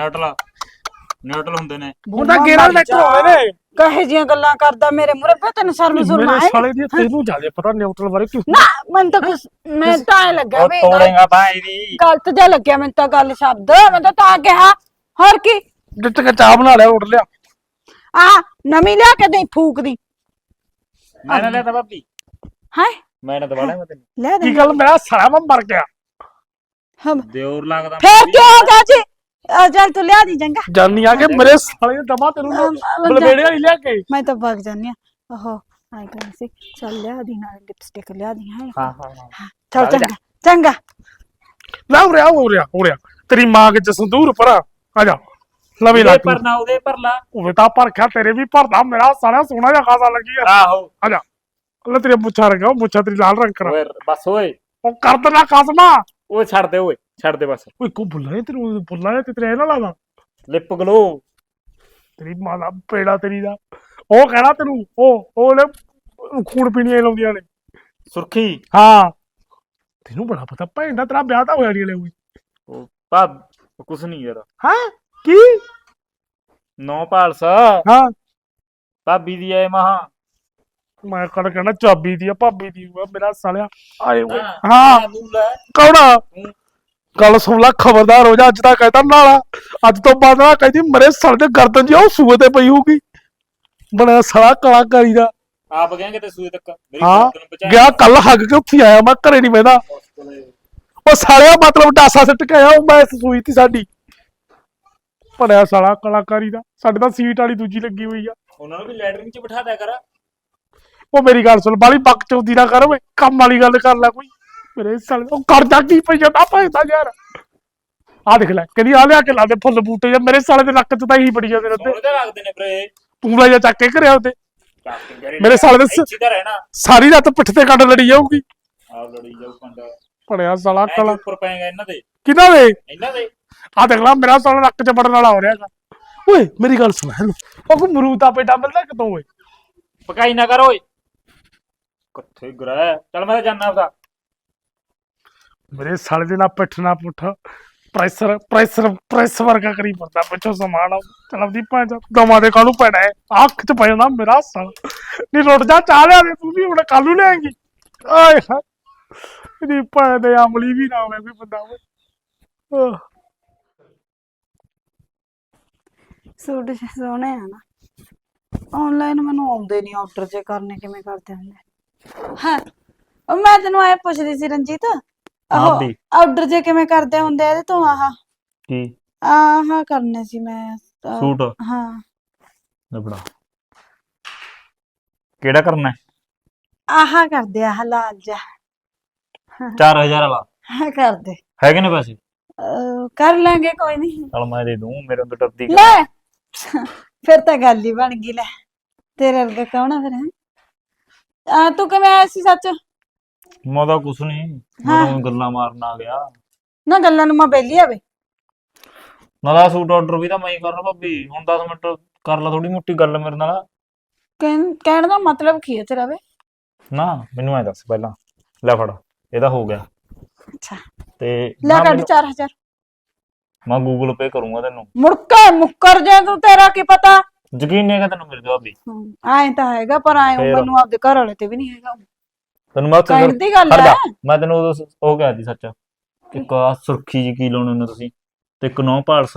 [SPEAKER 2] ਨਿਊਟਲ ਹੁੰਦੇ ਨੇ।
[SPEAKER 3] ਉਹਦਾ ਗੇਰਲ ਦੇ ਹੋਏ ਨੇ।
[SPEAKER 1] ਕਹੇ ਜੀਆਂ ਗੱਲਾਂ ਕਰਦਾ ਮੇਰੇ ਮੂਹਰੇ ਪੇ ਤੈਨੂੰ ਸ਼ਰਮ ਸੁਰਮਾ
[SPEAKER 3] ਮੇਰੇ
[SPEAKER 1] ਹੈ?
[SPEAKER 3] ਸਾਲੇ ਦੀ ਤੈਨੂੰ ਜ਼ਿਆਦਾ ਪਤਾ ਨਿਊਟਰਲ ਬਾਰੇ ਕਿਉਂ?
[SPEAKER 1] ਨਾ ਮੈਨੂੰ ਤਾਂ ਮੈਂ ਤਾਂ ਐਂ ਲੱਗਿਆ
[SPEAKER 2] ਉਹ
[SPEAKER 1] ਵੀ
[SPEAKER 2] ਤੋੜੇਗਾ ਬਾਈ ਦੀ।
[SPEAKER 1] ਗਲਤ ਜਿਹਾ ਲੱਗਿਆ ਮੈਨੂੰ ਤਾਂ ਗੱਲ ਸ਼ਬਦ। ਮੈਂ ਤਾਂ ਕਿਹਾ ਹੋਰ ਕੀ
[SPEAKER 3] ਜਿੱਤ ਕੇ ਚਾਹ ਬਣਾ ਲਿਆ ਉੱਡ ਲਿਆ।
[SPEAKER 1] ਆ ਨਵੀਂ ਲਿਆ ਕੇ ਦੇ ਫੂਕ ਦੀ।
[SPEAKER 2] ਮੈਂ ਨਾ ਲਿਆ ਤਾ ਭਾਬੀ,
[SPEAKER 1] ਹੈ
[SPEAKER 2] ਮੈਂ ਨਾ ਦਵਾਣਾ ਮੈਂ ਤੈਨੂੰ।
[SPEAKER 1] ਲੈ ਦੇ
[SPEAKER 3] ਕੀ ਗੱਲ ਮੇਰਾ ਸਾਲਾ ਮੈਂ ਮਰ ਗਿਆ।
[SPEAKER 2] ਦਿਓਰ ਲੱਗਦਾ
[SPEAKER 1] ਫੇਰ ਕੀ ਹੋਗਾ ਜੀ? ਚੱਲ ਤੂੰ ਲਿਆ ਦੀ ਚੰਗਾ।
[SPEAKER 3] ਜਾਨੀ ਆ ਕੇ ਮੇਰੇ ਸਾਲੇ ਨੇ ਦਮਾ ਤੈਨੂੰ ਬਲਵੇੜੇ ਵਾਲੀ ਲਿਆ ਕੇ।
[SPEAKER 1] ਮੈਂ ਤਾਂ ਭੱਗ ਜਾਨੀ ਆ। ਓਹੋ ਆਈ ਕਰ ਸੀ। ਚੱਲ ਲਿਆ ਦੀ ਨਾਲ ਲਿਪਸਟਿਕ ਲਿਆ ਦੀ ਹੈ।
[SPEAKER 2] ਹਾਂ
[SPEAKER 1] ਚੱਲ ਚੰਗਾ
[SPEAKER 3] ਲੈ ਉਰਿਆ ਤੇਰੀ ਮਾਂ ਕੇ ਸੰਦੂਰ ਭਰਾ ਆ ਜਾ ਲਵੇ ਲਾ
[SPEAKER 2] ਪਰ ਨਾ ਉਹਦੇ ਪਰ ਲਾ।
[SPEAKER 3] ਉਹ ਤਾਂ ਭਰਖਿਆ ਤੇਰੇ ਵੀ ਭਰਦਾ ਮੇਰਾ ਸਾਲਾ ਸੋਹਣਾ ਜਿਹਾ ਖਾਸਾ ਲੱਗੀ ਆ।
[SPEAKER 2] ਆਹੋ
[SPEAKER 3] ਆ ਜਾ ਲੈ ਤੇਰੇ ਮੁੱਛਾਂ ਰੰਗਾ ਉਹ ਮੁੱਛਾਂ ਤੇਰੀ ਲਾਲ ਰੰਗ ਕਰਾ।
[SPEAKER 2] ਓਏ ਬਸ ਓਏ,
[SPEAKER 3] ਉਹ ਕਰ ਦੇਣਾ ਕਸਮਾ।
[SPEAKER 2] ਓਏ ਛੱਡ ਦੇ ਬਸ।
[SPEAKER 3] ਓਏ ਕੋ ਬੁੱਲਾ ਤੈਨੂੰ ਬੁੱਲਾ ਤੇ ਤੇਰੇ ਨਾਲ ਲਾਦਾ
[SPEAKER 2] ਲਿਪ ਗਲੋ।
[SPEAKER 3] ਤੇਰੀ ਮਾਂ ਦਾ ਪੇੜਾ ਤੇਰੀ ਦਾ। ਉਹ ਕਹਿਣਾ ਤੈਨੂੰ ਉਹਨੇ ਖੂਨ ਪੀਣੀਆਂ ਲਾਉਂਦੀਆਂ ਨੇ
[SPEAKER 2] ਸੁਰਖੀ।
[SPEAKER 3] ਹਾਂ ਤੈਨੂੰ ਬੜਾ ਪਤਾ ਭੈਣ ਦਾ ਤੇਰਾ ਵਿਆਹ ਤਾਂ ਹੋਇਆ ਨਹੀਂ ਲੈ ਕੋਈ।
[SPEAKER 2] ਉਹ ਭਾਬ ਕੁਛ ਨਹੀਂ ਯਾਰ।
[SPEAKER 3] ਹਾਂ ਕੀ
[SPEAKER 2] ਨੌ ਪਾਲਸ
[SPEAKER 3] ਹਾਂ
[SPEAKER 2] ਭਾਬੀ ਦੀ ਐ ਮਹਾ।
[SPEAKER 3] ਮੈਂ ਕੜ ਕਹਿਣਾ ਚਾਬੀ ਦੀ ਆ ਭਾਬੀ ਦੀ ਆ ਮੇਰਾ ਸਾਲਿਆ ਆਏ ਓਏ।
[SPEAKER 2] ਹਾਂ
[SPEAKER 3] ਹਾਂ ਕੌਣਾ ਗੱਲ ਸੁਣ ਲੈ ਖਬਰਦਾਰ ਹੋ ਜਾ। ਅੱਜ ਤਾਂ ਕਹਿਤਾ ਨਾਲਾ ਅੱਜ ਤੋਂ ਬਾਅਦ ਨਾ ਕਹਿੰਦੀ ਮਰੇ ਸਾਲੇ ਦੇ ਗਰਦਨ ਜੀ ਉਹ ਸੂਏ ਤੇ ਪਈ ਹੋਊਗੀ। ਬਣਿਆ ਸਾਲਾ ਕਲਾਕਾਰੀ ਦਾ।
[SPEAKER 2] ਆਪ ਗਏ ਕਿਤੇ ਸੂਏ ਤੱਕ ਮੇਰੀ
[SPEAKER 3] ਹਾਂ
[SPEAKER 2] ਗਰਦਨ ਬਚਾ।
[SPEAKER 3] ਗਿਆ ਕੱਲ ਹੱਗ ਕੇ ਉੱਥੇ ਆਇਆ ਮੈਂ ਘਰੇ ਨਹੀਂ ਬਹਿਦਾ। ਉਹ ਸਾਲਿਆ ਮਤਲਬ ਡਾਸਾ ਸਿੱਟ ਕੇ ਆਇਆ ਉਹ ਮੈਂ ਸੂਈ ਤੀ ਸਾਡੀ। ਬਣਿਆ ਸਾਲਾ ਕਲਾਕਾਰੀ ਦਾ। ਸਾਡੇ ਤਾਂ ਸੀਟ ਵਾਲੀ ਦੂਜੀ ਲੱਗੀ ਹੋਈ ਆ।
[SPEAKER 2] ਉਹਨਾਂ ਨੂੰ ਵੀ ਲੈਟਰਿੰਗ 'ਚ ਬਿਠਾ ਦਿਆ ਕਰ।
[SPEAKER 3] ਉਹ ਮੇਰੀ ਗੱਲ ਸੁਣ ਬਾਲੀ ਬੱਕ ਚੌਦੀ ਨਾ ਕਰ ਓਏ ਕੰਮ ਵਾਲੀ ਗੱਲ ਕਰ ਲੈ ਕੋਈ। ਮੇਰੇ ਸਾਲੇ ਉਹ ਕਰਦਾ ਕੀ ਪਈ ਜਾਂਦਾ ਭੈਂਦਾ ਯਾਰ। ਆ ਦੇਖ ਲੈ ਕਹਿੰਦੀ ਆ ਲਿਆ ਕੇ ਲਾ ਦੇ ਫੁੱਲ ਬੂਟੇ ਜਾਂ ਮੇਰੇ ਸਾਲੇ ਦੇ ਨੱਕ 'ਚ ਤਾਂ ਇਹੀ ਬੜੀ ਜਾਂਦੇ ਨੇ ਉੱਤੇ।
[SPEAKER 2] ਸੋਹਣੇ ਤਾਂ ਲੱਗਦੇ ਨੇ ਵੀਰੇ।
[SPEAKER 3] ਤੂੰ ਲੈ ਜਾ ਚੱਕ ਕੇ ਘਰਿਆ ਉੱਤੇ ਮੇਰੇ ਸਾਲੇ ਦੇ
[SPEAKER 2] ਇੱਥੇ ਤਾਂ ਰਹਿਣਾ।
[SPEAKER 3] ਸਾਰੀ ਰਾਤ ਪਿੱਠ ਤੇ ਕੰਡ ਲੜੀ ਜਾਊਗੀ।
[SPEAKER 2] ਆਪ ਲੜੀ ਜਾਊ ਕੰਡਾ।
[SPEAKER 3] ਬਣਿਆ ਸਾਲਾ
[SPEAKER 2] ਐਂ
[SPEAKER 3] ਕਲਾ
[SPEAKER 2] ਉੱਪਰ ਪਏਗਾ ਇਹਨਾਂ ਦੇ।
[SPEAKER 3] ਕਿਹਨਾਂ ਦੇ?
[SPEAKER 2] ਇਹਨਾਂ ਦੇ
[SPEAKER 3] ਆ ਦੇਖ ਲੈ ਮੇਰਾ ਸਾਲਾ ਨੱਕ 'ਚ ਵੜਨ ਵਾਲਾ ਹੋ ਰਿਹਾਗਾ। ਓਏ ਮੇਰੀ ਗੱਲ ਸੁਣ ਹੈਲੋ ਉਹ ਕੋਈ ਮਰੂਦ ਦਾ ਪੇਟਾ ਮਿਲਦਾ ਕਿਤੋਂ ਓਏ?
[SPEAKER 2] ਪਕਾਈ ਨਾ ਕਰ ਓਏ। ਕਿੱਥੇ ਗਰਾ ਚੱਲ ਮੈਂ ਤਾਂ ਜਾਣਾ ਆਪਦਾ।
[SPEAKER 3] ਮੇਰੇ ਸਾਲੇ ਦੇ ਨਾਲ ਪਿੱਠ ਨਾ ਪੁੱਠ ਪ੍ਰੈਸ ਵਰਗਾ ਕਰੀ ਪਰਦਾ ਪਿੱਛੋਂ ਸਮਾਨ ਚਲ ਆਪਦੀ ਭਾਂ ਦਮਾ ਦੇ ਕਾਹਨੂੰ ਪੈਣਾ ਹੈ ਅੱਖ 'ਚ ਪੈ ਜਾਂਦਾ ਮੇਰਾ ਸਾਲਾ। ਨੀ ਰੁੱਟ ਜਾ ਚਾਹ ਲਿਆ ਦੇ ਤੂੰ ਵੀ ਹੁਣ ਕੱਲ ਨੂੰ ਲਿਆਏਂਗੀ। ਆਏ ਹਾਏ ਇਹਦੀ ਭਾਂ ਦੇ ਅਮਲੀ ਵੀ ਨਾ ਹੋਵੇ ਕੋਈ ਬੰਦਾ ਓਏ।
[SPEAKER 1] ਸੂਟ ਸੋਹਣੇ ਆ ਨਾ। ਆਨਲਾਈਨ ਮੈਨੂੰ ਆਉਂਦੇ ਨਹੀਂ ਆਰਡਰ ਜੇ ਕਰਨੇ ਕਿਵੇਂ ਕਰਦੇ ਹੁੰਦੇ। ਹਾਂ ਉਹ ਮੈਂ ਤੈਨੂੰ ਐ ਪੁੱਛਦੀ ਸੀ ਰਣਜੀਤ। ਆਹੋ ਆਰਡਰ ਜੇ ਕਿਵੇਂ ਕਰਦੇ ਹੁੰਦੇ ਇਹਦੇ ਤੋਂ?
[SPEAKER 2] ਕੀ
[SPEAKER 1] ਆਹ ਕਰਨੇ ਸੀ ਮੈਂ
[SPEAKER 2] ਸੂਟ।
[SPEAKER 1] ਹਾਂ
[SPEAKER 2] ਲੱਭੜਾ ਕਿਹੜਾ ਕਰਨਾ ਹੈ?
[SPEAKER 1] ਆਹ ਕਰਦੇ ਆ ਲਾਲ ਜਾ
[SPEAKER 2] 4000 ਵਾਲਾ
[SPEAKER 1] ਕਰਦੇ
[SPEAKER 2] ਹੈਗੇ ਨੇ ਪੈਸੇ?
[SPEAKER 1] ਕਰ ਲਾਂਗੇ ਕੋਈ ਨਹੀਂ।
[SPEAKER 2] ਚਲ ਮੈਂ ਦੇ ਦੂੰ ਮੇਰੇ ਤੋਂ ਡਰਦੀ
[SPEAKER 1] ਲੈ ਫਿਰ ਤਾਂ ਗੱਲ ਹੀ ਬਣ ਗਈ। ਲੈ ਤੇਰੇ ਵਰਗਾ ਕੌਣ ਆ ਫਿਰ ਹੈ? ਤੂੰ ਕਿਵੇਂ ਆਇਆ ਸੀ ਸੱਚ?
[SPEAKER 2] ਮੈਂ ਤਾਂ ਕੁਛ ਨਹੀਂ ਮੈਨੂੰ ਗੱਲਾਂ ਮਾਰਨ ਆ ਗਿਆ।
[SPEAKER 1] ਨਾ ਗੱਲਾਂ ਨੂੰ ਮੈਂ ਬੇਲੀ ਆਵੇ
[SPEAKER 2] ਨਾਲਾ ਸੂਟ ਆਰਡਰ ਵੀ ਤਾਂ ਮੈਂ ਹੀ ਕਰਨਾ ਭਾਬੀ। ਹੁਣ 10 ਮਿੰਟ ਕਰ ਲਾ ਥੋੜੀ ਮੋਟੀ ਗੱਲ ਮੇਰੇ ਨਾਲ।
[SPEAKER 1] ਕਹਿਣ ਦਾ ਮਤਲਬ ਕੀ ਹੈ ਤੇਰਾ ਵੇ?
[SPEAKER 2] ਨਾ ਮੈਨੂੰ ਐ ਦੱਸ ਪਹਿਲਾਂ। ਲੈ ਫੜ ਇਹਦਾ ਹੋ ਗਿਆ।
[SPEAKER 1] ਅੱਛਾ
[SPEAKER 2] ਤੇ
[SPEAKER 1] ਲੈ ਕੱਢ 4000।
[SPEAKER 2] ਮੈਂ ਗੂਗਲ ਪੇ ਕਰੂੰਗਾ ਤੈਨੂੰ।
[SPEAKER 1] ਮੁੱਕਰ ਜਾ ਤੂੰ। ਤੇਰਾ ਕੀ ਪਤਾ?
[SPEAKER 2] ਯਕੀਨ ਨਹੀਂ ਹੈਗਾ ਤੈਨੂੰ ਮੇਰੇ ਤੇ ਭਾਬੀ?
[SPEAKER 1] ਐਂ ਤਾਂ ਹੈਗਾ ਪਰ ਐਂ ਮੈਨੂੰ ਆਪਦੇ ਘਰ ਵਾਲੇ ਤੇ ਵੀ ਨਹੀਂ ਹੈਗਾ।
[SPEAKER 2] ਤੈਨੂੰ ਮੈਂ
[SPEAKER 1] ਕਹਿਣ ਦੀ ਗੱਲ ਹੈ।
[SPEAKER 2] ਮੈਂ ਤੈਨੂੰ ਉਦੋਂ ਉਹ ਕਿਹਾ ਸੀ ਸੱਚ। ਇੱਕ ਆ ਸੁਰਖੀ ਜੀ ਕੀ ਲਾਉਣੇ ਨੇ ਤੁਸੀਂ ਤੇ ਇੱਕ ਨੌ ਪਾਲਸ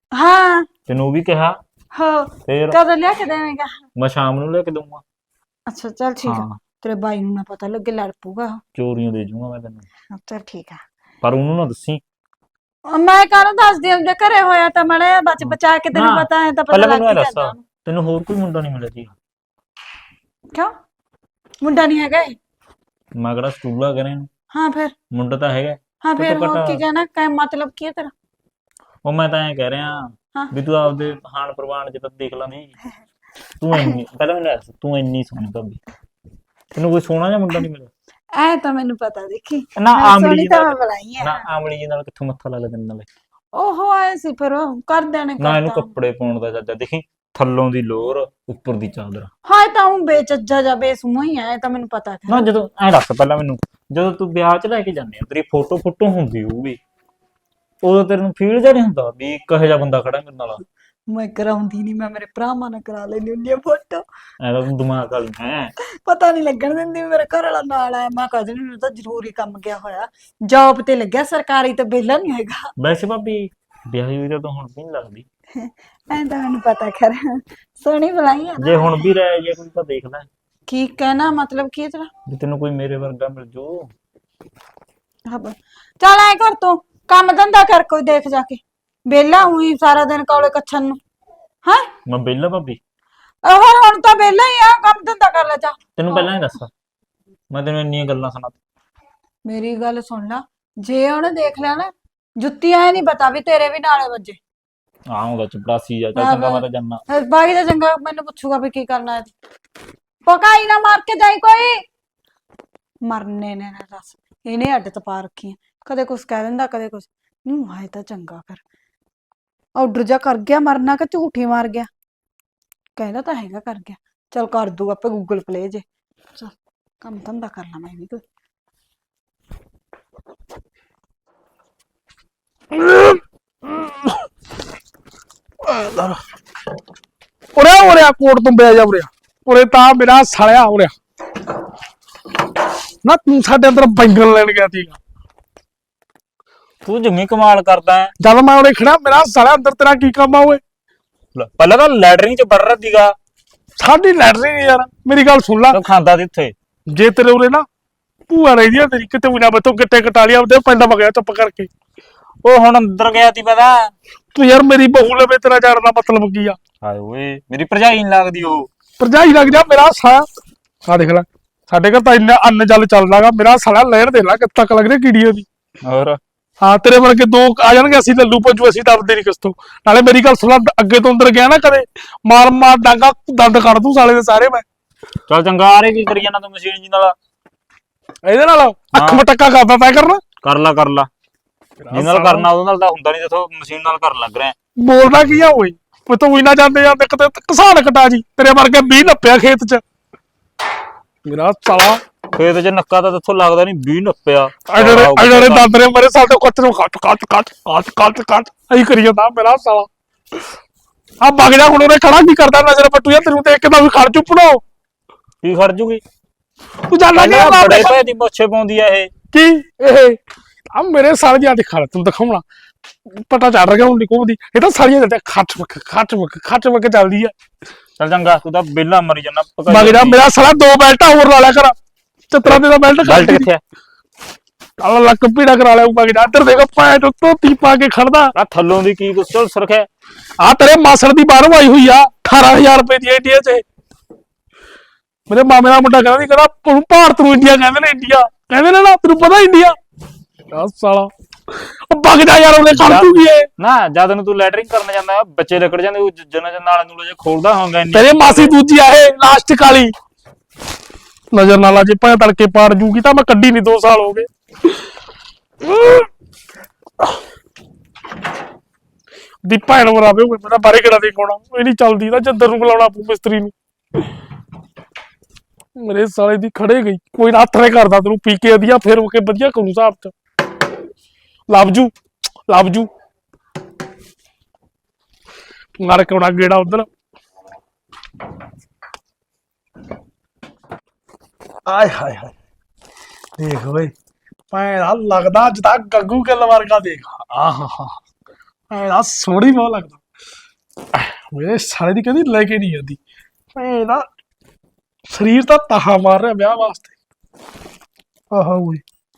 [SPEAKER 1] ਹਾਂ
[SPEAKER 2] ਤੈਨੂੰ ਉਹ ਵੀ ਕਿਹਾ
[SPEAKER 1] ਹੋ
[SPEAKER 2] ਫੇਰ
[SPEAKER 1] ਕਦੋਂ ਲਿਆ ਕੇ ਦੇਵੇਂਗਾ?
[SPEAKER 2] ਮੈਂ ਸ਼ਾਮ ਨੂੰ ਲੈ ਕੇ ਦਊਂਗਾ।
[SPEAKER 1] ਅੱਛਾ ਚੱਲ ਠੀਕ ਆ।
[SPEAKER 2] ਹਾਂ
[SPEAKER 1] ਤੇਰੇ ਬਾਈ ਨੂੰ ਨਾ ਪਤਾ ਲੱਗੇ, ਲੜ ਪਊਗਾ ਉਹ।
[SPEAKER 2] ਚੋਰੀਆਂ ਦੇ ਜੂੰਗਾ ਮੈਂ ਤੈਨੂੰ,
[SPEAKER 1] ਚੱਲ ਠੀਕ ਆ।
[SPEAKER 2] ਪਰ ਉਹਨੂੰ ਨਾ ਦੱਸੀ।
[SPEAKER 1] ਮੈਂ ਕਾਹਨੂੰ ਦੱਸਦੀ, ਉਹਦੇ ਘਰੇ ਹੋਇਆ ਤਾਂ ਮੜੇ ਬਚ ਬਚਾ ਕੇ, ਤੈਨੂੰ
[SPEAKER 2] ਨਾ,
[SPEAKER 1] ਪਤਾ ਹੈ ਤਾਂ ਪਤਾ
[SPEAKER 2] ਪਹਿਲਾਂ
[SPEAKER 1] ਲੱਗ
[SPEAKER 2] ਮੈਨੂੰ
[SPEAKER 1] ਹੀ
[SPEAKER 2] ਇਹ ਦੱਸ,
[SPEAKER 1] ਜਾਂਦਾ ਉਹਨੂੰ।
[SPEAKER 2] ਤੈਨੂੰ ਹੋਰ ਕੋਈ ਮੁੰਡਾ ਨਹੀਂ ਮਿਲਿਆ ਸੀ?
[SPEAKER 1] ਕਿਉਂ? ਮੁੰਡਾ ਨਹੀਂ ਹੈਗਾ ਇਹ?
[SPEAKER 2] ਮੈਂ ਕਿਹੜਾ ਸਕੂਲਾ ਕਰੇ ਨੂੰ,
[SPEAKER 1] ਹਾਂ ਫਿਰ?
[SPEAKER 2] ਮੁੰਡਾ ਤਾਂ ਹੈਗਾ।
[SPEAKER 1] ਹਾਂ ਫਿਰ
[SPEAKER 2] ਘੱਟੋ
[SPEAKER 1] ਹੋਰ
[SPEAKER 2] ਘੱਟ
[SPEAKER 1] ਕੀ ਕਹਿਣਾ, ਮਤਲਬ ਕੀ ਹੈ ਤੇਰਾ?
[SPEAKER 2] ਉਹ ਮੈਂ ਤਾਂ ਐਂ ਕਹਿ ਰਿਹਾ
[SPEAKER 1] ਹਾਂ।
[SPEAKER 2] ਵੀ ਤੂੰ ਆਪਦੇ ਹਾਣ ਪ੍ਰਵਾਨ ਚ ਤਾਂ ਦੇਖ ਲਾ ਨਹੀਂ। ਤੂੰ ਇੰਨੀ ਪਹਿਲਾਂ ਮੈਨੂੰ ਦੱਸ, ਤੂੰ ਇੰਨੀ ਸੋਹਣੀ ਭਾਬੀ, ਤੈਨੂੰ ਕੋਈ ਸੋਹਣਾ ਜਿਹਾ ਮੁੰਡਾ ਨਹੀਂ ਮਿਲਿਆ?
[SPEAKER 1] ਐ ਤਾਂ ਮੈਨੂੰ ਪਤਾ, ਦੇਖੀ
[SPEAKER 2] ਨਾ
[SPEAKER 1] ਮੈਂ
[SPEAKER 2] ਆਮਲੀ
[SPEAKER 1] ਸੋਹਣੀ
[SPEAKER 2] ਜੀ
[SPEAKER 1] ਤਾਂ
[SPEAKER 2] ਨਾਲ,
[SPEAKER 1] ਮੈਂ ਬੁਲਾਈ ਆ।
[SPEAKER 2] ਨਾ ਆਮਲੀ ਜੀ ਨਾਲ ਕਿੱਥੋਂ ਮੱਥਾ ਲਾ ਲੈ ਤੈਨੂੰ ਨਾਲੇ।
[SPEAKER 1] ਉਹ ਆਏ ਸੀ ਫਿਰ ਉਹ ਕਰਦਿਆਂ ਨੇ
[SPEAKER 2] ਨਾ ਇਹਨੂੰ
[SPEAKER 1] ਕਰਤਾ।
[SPEAKER 2] ਕੱਪੜੇ ਪਾਉਣ ਦਾ ਚੱਜਾ, ਦੇਖੀ ਥੱਲੋਂ ਦੀ ਲੋਰ ਉੱਪਰ ਦੀ ਚਾਦਰ।
[SPEAKER 1] ਹਾਂ ਇਹ ਤਾਂ ਉਹ ਬੇਚੱਜਾ ਜਾਂ ਬੇਸੂਹਾ ਹੀ ਆ, ਇਹ ਤਾਂ ਮੈਨੂੰ ਪਤਾ
[SPEAKER 2] ਨਾ
[SPEAKER 1] ਹੈ।
[SPEAKER 2] ਜਦੋਂ ਐਂ ਦੱਸ ਪਹਿਲਾਂ ਮੈਨੂੰ, ਜਦੋਂ ਤੂੰ ਵਿਆਹ 'ਚ ਲੈ ਕੇ ਜਾਂਦੇ ਆ ਤੇਰੀ ਫੋਟੋ ਹੁੰਦੀ ਹੋਊਗੀ, ਉਦੋਂ ਤੈਨੂੰ ਫੀਲ ਜਿਹਾ ਨਹੀਂ ਹੁੰਦਾ ਵੀ ਇੱਕ ਇਹੋ ਜਿਹਾ ਬੰਦਾ ਖੜਾ ਮੇਰੇ ਨਾਲ?
[SPEAKER 1] ਮੈਂ ਕਰਾਉਂਦੀ ਨਹੀਂ, ਮੈਂ ਮੇਰੇ ਭਰਾਵਾਂ ਨਾਲ ਕਰਾ ਲੈਣੀ ਹੁੰਦੀ ਆ ਫੋਟੋ।
[SPEAKER 2] ਐਦਾ ਤੂੰ ਦਿਮਾਗ ਵਾਲੀ ਹੈ।
[SPEAKER 1] ਪਤਾ ਨਹੀਂ ਲੱਗਣ ਦਿੰਦੀ ਵੀ ਮੇਰੇ ਘਰ ਵਾਲਾ ਨਾਲ ਆਇਆ। ਮੈਂ ਕਦੇ ਨਹੀਂ, ਤਾਂ ਜ਼ਰੂਰੀ ਕੰਮ ਗਿਆ ਹੋਇਆ, ਜੌਬ ਤੇ ਲੱਗਿਆ ਸਰਕਾਰੀ, ਤੇ ਵਿਹਲਾ ਨਹੀਂ ਹੈਗਾ।
[SPEAKER 2] ਵੈਸੇ ਭਾਬੀ ਵਿਆਹੀ ਹੋਈ ਤਾਂ ਹੁਣ ਵੀ ਨਹੀਂ ਲੱਗਦੀ।
[SPEAKER 1] ਐਂ ਤਾਂ ਮੈਨੂੰ ਪਤਾ, ਖੈਰ ਸੋਹਣੀ ਬੁਲਾਈ ਆ ਨਾ।
[SPEAKER 2] ਜੇ ਹੁਣ ਵੀ ਰਹਿ ਜੇ ਕੋਈ ਤਾਂ ਦੇਖ ਲੈ,
[SPEAKER 1] ਕੀ ਕਹਿਣਾ, ਮਤਲਬ ਕੀ ਹੈ ਤੇਰਾ?
[SPEAKER 2] ਵੀ ਤੈਨੂੰ ਕੋਈ ਮੇਰੇ ਵਰਗਾ ਮਿਲ ਜੂ।
[SPEAKER 1] ਚੱਲ ਐ ਕਰ, ਤੂੰ ਕੰਮ ਧੰਦਾ ਕਰ ਕੋਈ, ਦੇਖ ਜਾ ਕੇ। ਵਿਹਲਾ ਹੋਈ ਸਾਰਾ ਦਿਨ ਕੌਲੇ ਕੱਛਣ ਨੂੰ ਹੈ।
[SPEAKER 2] ਮੈਂ ਵਿਹਲਾ ਭਾਬੀ?
[SPEAKER 1] ਹੋਰ ਹੁਣ ਤਾਂ ਵਿਹਲਾ ਹੀ ਆ, ਕੰਮ ਧੰਦਾ ਕਰ ਲੈ ਜਾ।
[SPEAKER 2] ਤੈਨੂੰ ਪਹਿਲਾਂ ਹੀ ਦੱਸ, ਮੈਂ ਤੈਨੂੰ ਇੰਨੀਆਂ ਗੱਲਾਂ ਸੁਣਾ।
[SPEAKER 1] ਮੇਰੀ ਗੱਲ ਸੁਣ ਲੈ, ਜੇ ਉਹਨੇ ਦੇਖ ਲਿਆ ਨਾ, ਜੁੱਤੀ ਐ ਨਹੀਂ ਪਤਾ ਵੀ ਤੇਰੇ ਵੀ ਨਾਲੇ ਵੱਜੇ।
[SPEAKER 2] ਹਾਂ ਉਹਦਾ ਚਪੜਾਸੀ ਆ, ਚੱਲ ਚੰਗਾ ਮੈਂ ਤਾਂ ਜਾਨਾ।
[SPEAKER 1] ਬਾਕੀ ਤਾਂ ਚੰਗਾ, ਮੈਨੂੰ ਪੁੱਛੂਗਾ ਵੀ ਕੀ ਕਰਨਾ ਹੈ। ਪਕਾਈ ਨਾ ਮਾਰ ਕੇ ਜਾਈ ਕੋਈ, ਮਰਨੇ ਨੇ ਨਾ ਦੱਸ। ਇਹਨੇ ਅੱਡ ਤਪਾ ਰੱਖੀ, ਕਦੇ ਕੁਛ ਕਹਿ ਦਿੰਦਾ ਕਦੇ ਕੁਛ। ਨੂੰ ਆਏ ਤਾਂ ਚੰਗਾ ਕਰ, ਆਰਡਰ ਜਾ ਕਰ ਗਿਆ, ਮਰਨਾ ਕਿ ਝੂਠੀ ਮਾਰ ਗਿਆ? ਕਹਿੰਦਾ ਤਾਂ ਹੈਗਾ ਕਰ ਗਿਆ, ਚਲ ਕਰ ਦੂ ਆਪੇ ਗੂਗਲ ਪਲੇ ਜੇ। ਚਲ ਕੰਮ ਧੰਦਾ ਕਰ ਲਾ ਮੈਂ ਵੀ ਕੋਈ।
[SPEAKER 3] ਉਰੇ ਕੋਟ ਤੋਂ ਬਹਿ ਜਾ ਉਰੇ ਤਾਂ ਮੇਰਾ ਸਾਲਿਆ ਉਰੇ ਨਾ। ਤੂੰ ਸਾਡੇ ਅੰਦਰ ਬੈਂਗਣ ਲੈਣ ਗਿਆ ਸੀ,
[SPEAKER 2] ਤੂੰ ਜਮੀ ਕਮਾਲ ਕਰਦਾ ਹੈ।
[SPEAKER 3] ਜਦ ਮੈਂ ਉਰੇ ਖੜਾ, ਮੇਰਾ ਸਾਲਿਆ ਅੰਦਰ ਤੇਰਾ ਕੀ ਕੰਮ ਆ ਓਏ?
[SPEAKER 2] ਪਹਿਲਾਂ ਤਾਂ ਲੈਟਰਿੰਗ ਚ ਵੜ ਰਿਹਾ ਸੀਗਾ।
[SPEAKER 3] ਸਾਡੀ ਲੈਟਰੀ ਨੀ ਯਾਰ, ਮੇਰੀ ਗੱਲ ਸੁਣ ਲੈ।
[SPEAKER 2] ਤੂੰ ਖਾਂਦਾ ਸੀ ਉੱਥੇ?
[SPEAKER 3] ਜੇ ਤੇਰੇ ਉਰੇ ਨਾ ਭੂਆ ਰਹੀ ਦੀ ਤੇਰੀ, ਕਿਤੇ ਵੀ ਨਾ ਬਤੋ ਗਿੱਟੇ ਕਟਾਲੀਆਂ ਉਹਦੇ ਪਿੰਡ ਵਗਿਆ ਚੁੱਪ ਕਰਕੇ।
[SPEAKER 2] ਉਹ ਹੁਣ ਅੰਦਰ ਗਿਆ ਸੀ ਪਤਾ।
[SPEAKER 3] ਤੂੰ ਯਾਰ ਮੇਰੀ ਬਹੂ ਲਵੇ, ਤੇਰਾ ਜਾਣ ਦਾ ਮਤਲਬ ਕੀ ਆ?
[SPEAKER 2] ਹਾਏ ਓਏ, ਮੇਰੀ ਭਰਜਾਈ ਨੀ ਲੱਗਦੀ ਉਹ?
[SPEAKER 3] ਭਰਜਾਈ ਲੱਗ ਜਾ ਮੇਰਾ ਸਾਲਾ। ਆ ਦੇਖ ਲੈ, ਸਾਡੇ ਘਰ ਤਾਂ ਇੰਨਾ ਅੰਨ ਜਲ ਚੱਲਦਾਗਾ, ਮੇਰਾ ਸਾਲਾ ਲੈਣ ਦੇ ਲੈ ਕਿੱਥੇ ਤੱਕ ਲੱਗਦੇ ਕੀੜੀ ਉਹਦੀ।
[SPEAKER 2] ਹੋਰ
[SPEAKER 3] ਹਾਂ, ਤੇਰੇ ਵਰਗੇ ਦੋ ਆ ਜਾਣਗੇ, ਅਸੀਂ ਲੱਲੂ ਪੰਜੂ, ਅਸੀਂ ਦੱਬਦੇ ਨਹੀਂ ਕਿਸ ਤੋਂ। ਨਾਲੇ ਮੇਰੀ ਗੱਲ ਸੁਣ, ਅੱਗੇ ਤੋਂ ਅੰਦਰ ਗਿਆ ਨਾ ਕਦੇ, ਮਾਰ ਡਾਂਗਾ ਦੰਦ ਕੱਢ ਦੂੰ ਸਾਲੇ ਦੇ ਸਾਰੇ ਮੈਂ।
[SPEAKER 2] ਚੱਲ ਚੰਗਾ, ਆ ਰੇ ਕੀ ਕਰੀ ਜਾਂਦਾ ਤੂੰ ਮਸ਼ੀਨ ਜੀ ਨਾਲ?
[SPEAKER 3] ਇਹਦੇ ਨਾਲ ਅੱਖ ਮਟੱਕਾ ਕਰਦਾ ਤੈਂ ਕਰਨਾ?
[SPEAKER 2] ਕਰ ਲਾ ਜਿਹਦੇ ਨਾਲ ਕਰਨਾ ਉਹਦੇ ਨਾਲ ਤਾਂ ਹੁੰਦਾ ਨਹੀਂ, ਦੇਖੋ ਮਸ਼ੀਨ ਨਾਲ ਕਰਨ ਲੱਗ ਰਿਹਾ।
[SPEAKER 3] ਬੋਲਦਾ ਕੀ ਆ ਓਏ? ਉਹ ਤਾਂ ਉਹੀ ਨਾ ਜਾਂਦੇ ਜਾਂਦੇ ਕਿਤੇ ਕਿਸਾਨ ਕਟਾ ਜੀ, ਤੇਰੇ ਵਰਗੇ 20 ਨੱਪਿਆ ਖੇਤ 'ਚ। ਮੇਰਾ ਸਾਲਾ
[SPEAKER 2] ਖੇਤ 'ਚ ਨੱਕਾ ਤਾਂ ਇੱਥੋਂ ਲੱਗਦਾ ਨਹੀਂ, 20 ਨੱਪਿਆ।
[SPEAKER 3] ਅੜੇ ਦੰਦ ਨੇ ਮੇਰੇ ਸਾਲ ਤੋਂ ਕੱਟ ਨੂੰ ਕੱਟ ਐਂ ਕਰੀ ਜਾਂਦਾ ਮੇਰਾ ਸਾਲਾ। ਆ ਵਗ ਜਾ ਹੁਣ, ਉਹਨੇ ਖੜਾ ਕੀ ਕਰਦਾ ਨਜ਼ਰ ਪੱਟੂ ਯਾਰ, ਤੈਨੂੰ ਦੇਖ ਕੇ ਤਾਂ ਵੀ ਖੜ ਚੁੱਪਣੋ।
[SPEAKER 2] ਕੀ ਖੜ ਜੂਗੀ?
[SPEAKER 3] ਤੂੰ ਜਾਣਾ ਨੀ
[SPEAKER 2] ਬੜੇ ਭੈ ਦੀ ਮੁੱਛੇ ਪਾਉਂਦੀ ਆ ਇਹ।
[SPEAKER 3] ਕੀ ਇਹ ਆ ਮੇਰੇ ਸਾਲ ਜਿਹਾ ਦਿਖਾ ਤੂੰ ਦਿਖਾਉਣਾ, ਪਤਾ ਚੱਲ ਰਿਹਾ ਹੁਣ ਨਿਕੋਦੀ। ਇਹ ਤਾਂ ਸਾਰੀਆਂ ਦਿੰਦੇ ਖੱਟ ਵਕ ਚੱਲਦੀ ਆ।
[SPEAKER 2] ਚੱਲ ਚੰਗਾ, ਤੂੰ ਤਾਂ ਬੇਲਾ ਮਰੀ ਜਾਂਦਾ।
[SPEAKER 3] ਵਗ ਜਾ ਮੇਰਾ ਸਾਲਾ, 2 ਬੈਲਟਾਂ ਹੋਰ ਲਾ ਲਿਆ ਕਰ। ਚਤਰਾ ਦੇ ਦਾ ਬੈਲਟ
[SPEAKER 2] ਕਿੱਥੇ ਆ?
[SPEAKER 3] ਕਾਲਾ ਲੱਕ ਪੀੜਾ ਕਰਾ ਲਿਆ। ਵਗ ਜਾ, ਇੱਧਰ ਦੇਖ ਪੈਂਟ ਧੋਤੀ ਪਾ ਕੇ ਖੜਦਾ।
[SPEAKER 2] ਆ ਥੱਲੋਂ ਦੀ ਕੀ ਕੁਛ ਸੁਰਖਿਆ?
[SPEAKER 3] ਆ ਤੇਰੇ ਮਾਸੜ ਦੀ ਬਾਹਰੋਂ ਆਈ ਹੋਈ ਆ, 18000 ਰੁਪਏ ਦੀ ਇੰਡੀਆ 'ਚ। ਮੇਰੇ ਮਾਮੇ ਦਾ ਮੁੰਡਾ ਕਹਿੰਦਾ ਸੀ, ਕਹਿੰਦਾ ਭਾਰਤ ਨੂੰ ਇੰਡੀਆ ਕਹਿੰਦੇ ਨੇ, ਇੰਡੀਆ ਕਹਿੰਦੇ ਨੇ ਨਾ, ਤੈਨੂੰ ਪਤਾ ਇੰਡੀਆ? ਸਾਲਾ ਉਹ ਵਗ ਜਾ ਯਾਰ, ਉਹਨੇ ਖੜ ਜੂਗੀ ਇਹ
[SPEAKER 2] ਨਾ। ਜਦ ਨੂੰ ਤੂੰ ਲੈਟਰਿੰਗ ਕਰਨ ਜਾਂਦਾ, ਬੱਚੇ ਲੱਕੜ ਜਾਂਦੇ, ਉਹ ਜਨਾਂ ਨਾਲ ਨੂੰ ਜੇ ਖੋਲਦਾ ਹੋਗਾ।
[SPEAKER 3] ਤੇਰੇ ਮਾਸੀ ਦੂਜੀ ਆ ਇਹ ਲਾਸਟਿਕ ਵਾਲੀ, ਨਜ਼ਰ ਨਾਲ ਜੇ ਭਾਂ ਤੜਕੇ ਪਾੜ ਜੂਗੀ ਤਾਂ ਮੈਂ ਕੱਢੀ ਨਹੀਂ, 2 ਸਾਲ ਹੋ ਗਏ। ਦੀ ਭੈਣ ਮਰਾਵੇ ਹੋਏ, ਮੇਰਾ ਬਾਰੇ ਕਿਹੜਾ ਦੇ ਕੋਣਾ ਇਹ ਨਹੀਂ ਚੱਲਦੀ ਨਾ, ਜੱਦਰ ਨੂੰ ਬੁਲਾਉਣਾ ਪੂ ਮਿਸਤਰੀ ਨੂੰ। ਮੇਰੇ ਸਾਲੇ ਦੀ ਖੜੇ ਗਈ, ਕੋਈ ਨਾ ਹੱਥ ਨੇ ਕਰਦਾ ਤੈਨੂੰ ਪੀ ਕੇ ਵਧੀਆ, ਫਿਰ ਉਹ ਕੇ ਵਧੀਆ ਕਰੂ ਹਿਸਾਬ 'ਚ। ਲੱਭ ਜੂ ਮਾਰ ਕੇ ਆਉਣਾ ਗੇੜਾ ਉਧਰ। ਆਏ ਹਾਏ ਹਾਏ, ਦੇਖ ਓਏ ਭੈਣ ਲੱਗਦਾ ਜਿੱਦਾਂ ਗੱਗੂ ਗਿੱਲ ਵਰਗਾ। ਦੇਖ ਆਹ ਐਦਾ ਸੋਹਣੀ ਬਹੁਤ ਲੱਗਦਾ। ਮੇਰੇ ਸਾਲੇ ਦੀ ਕਦੀ ਲੈ ਕੇ ਨਹੀਂ ਜਾਂਦੀ। ਇਹਦਾ ਸਰੀਰ ਤਾਂ ਤਾਹਾ ਮਾਰ ਰਿਹਾ ਵਿਆਹ ਵਾਸਤੇ। ਆਹਾ ਓਏ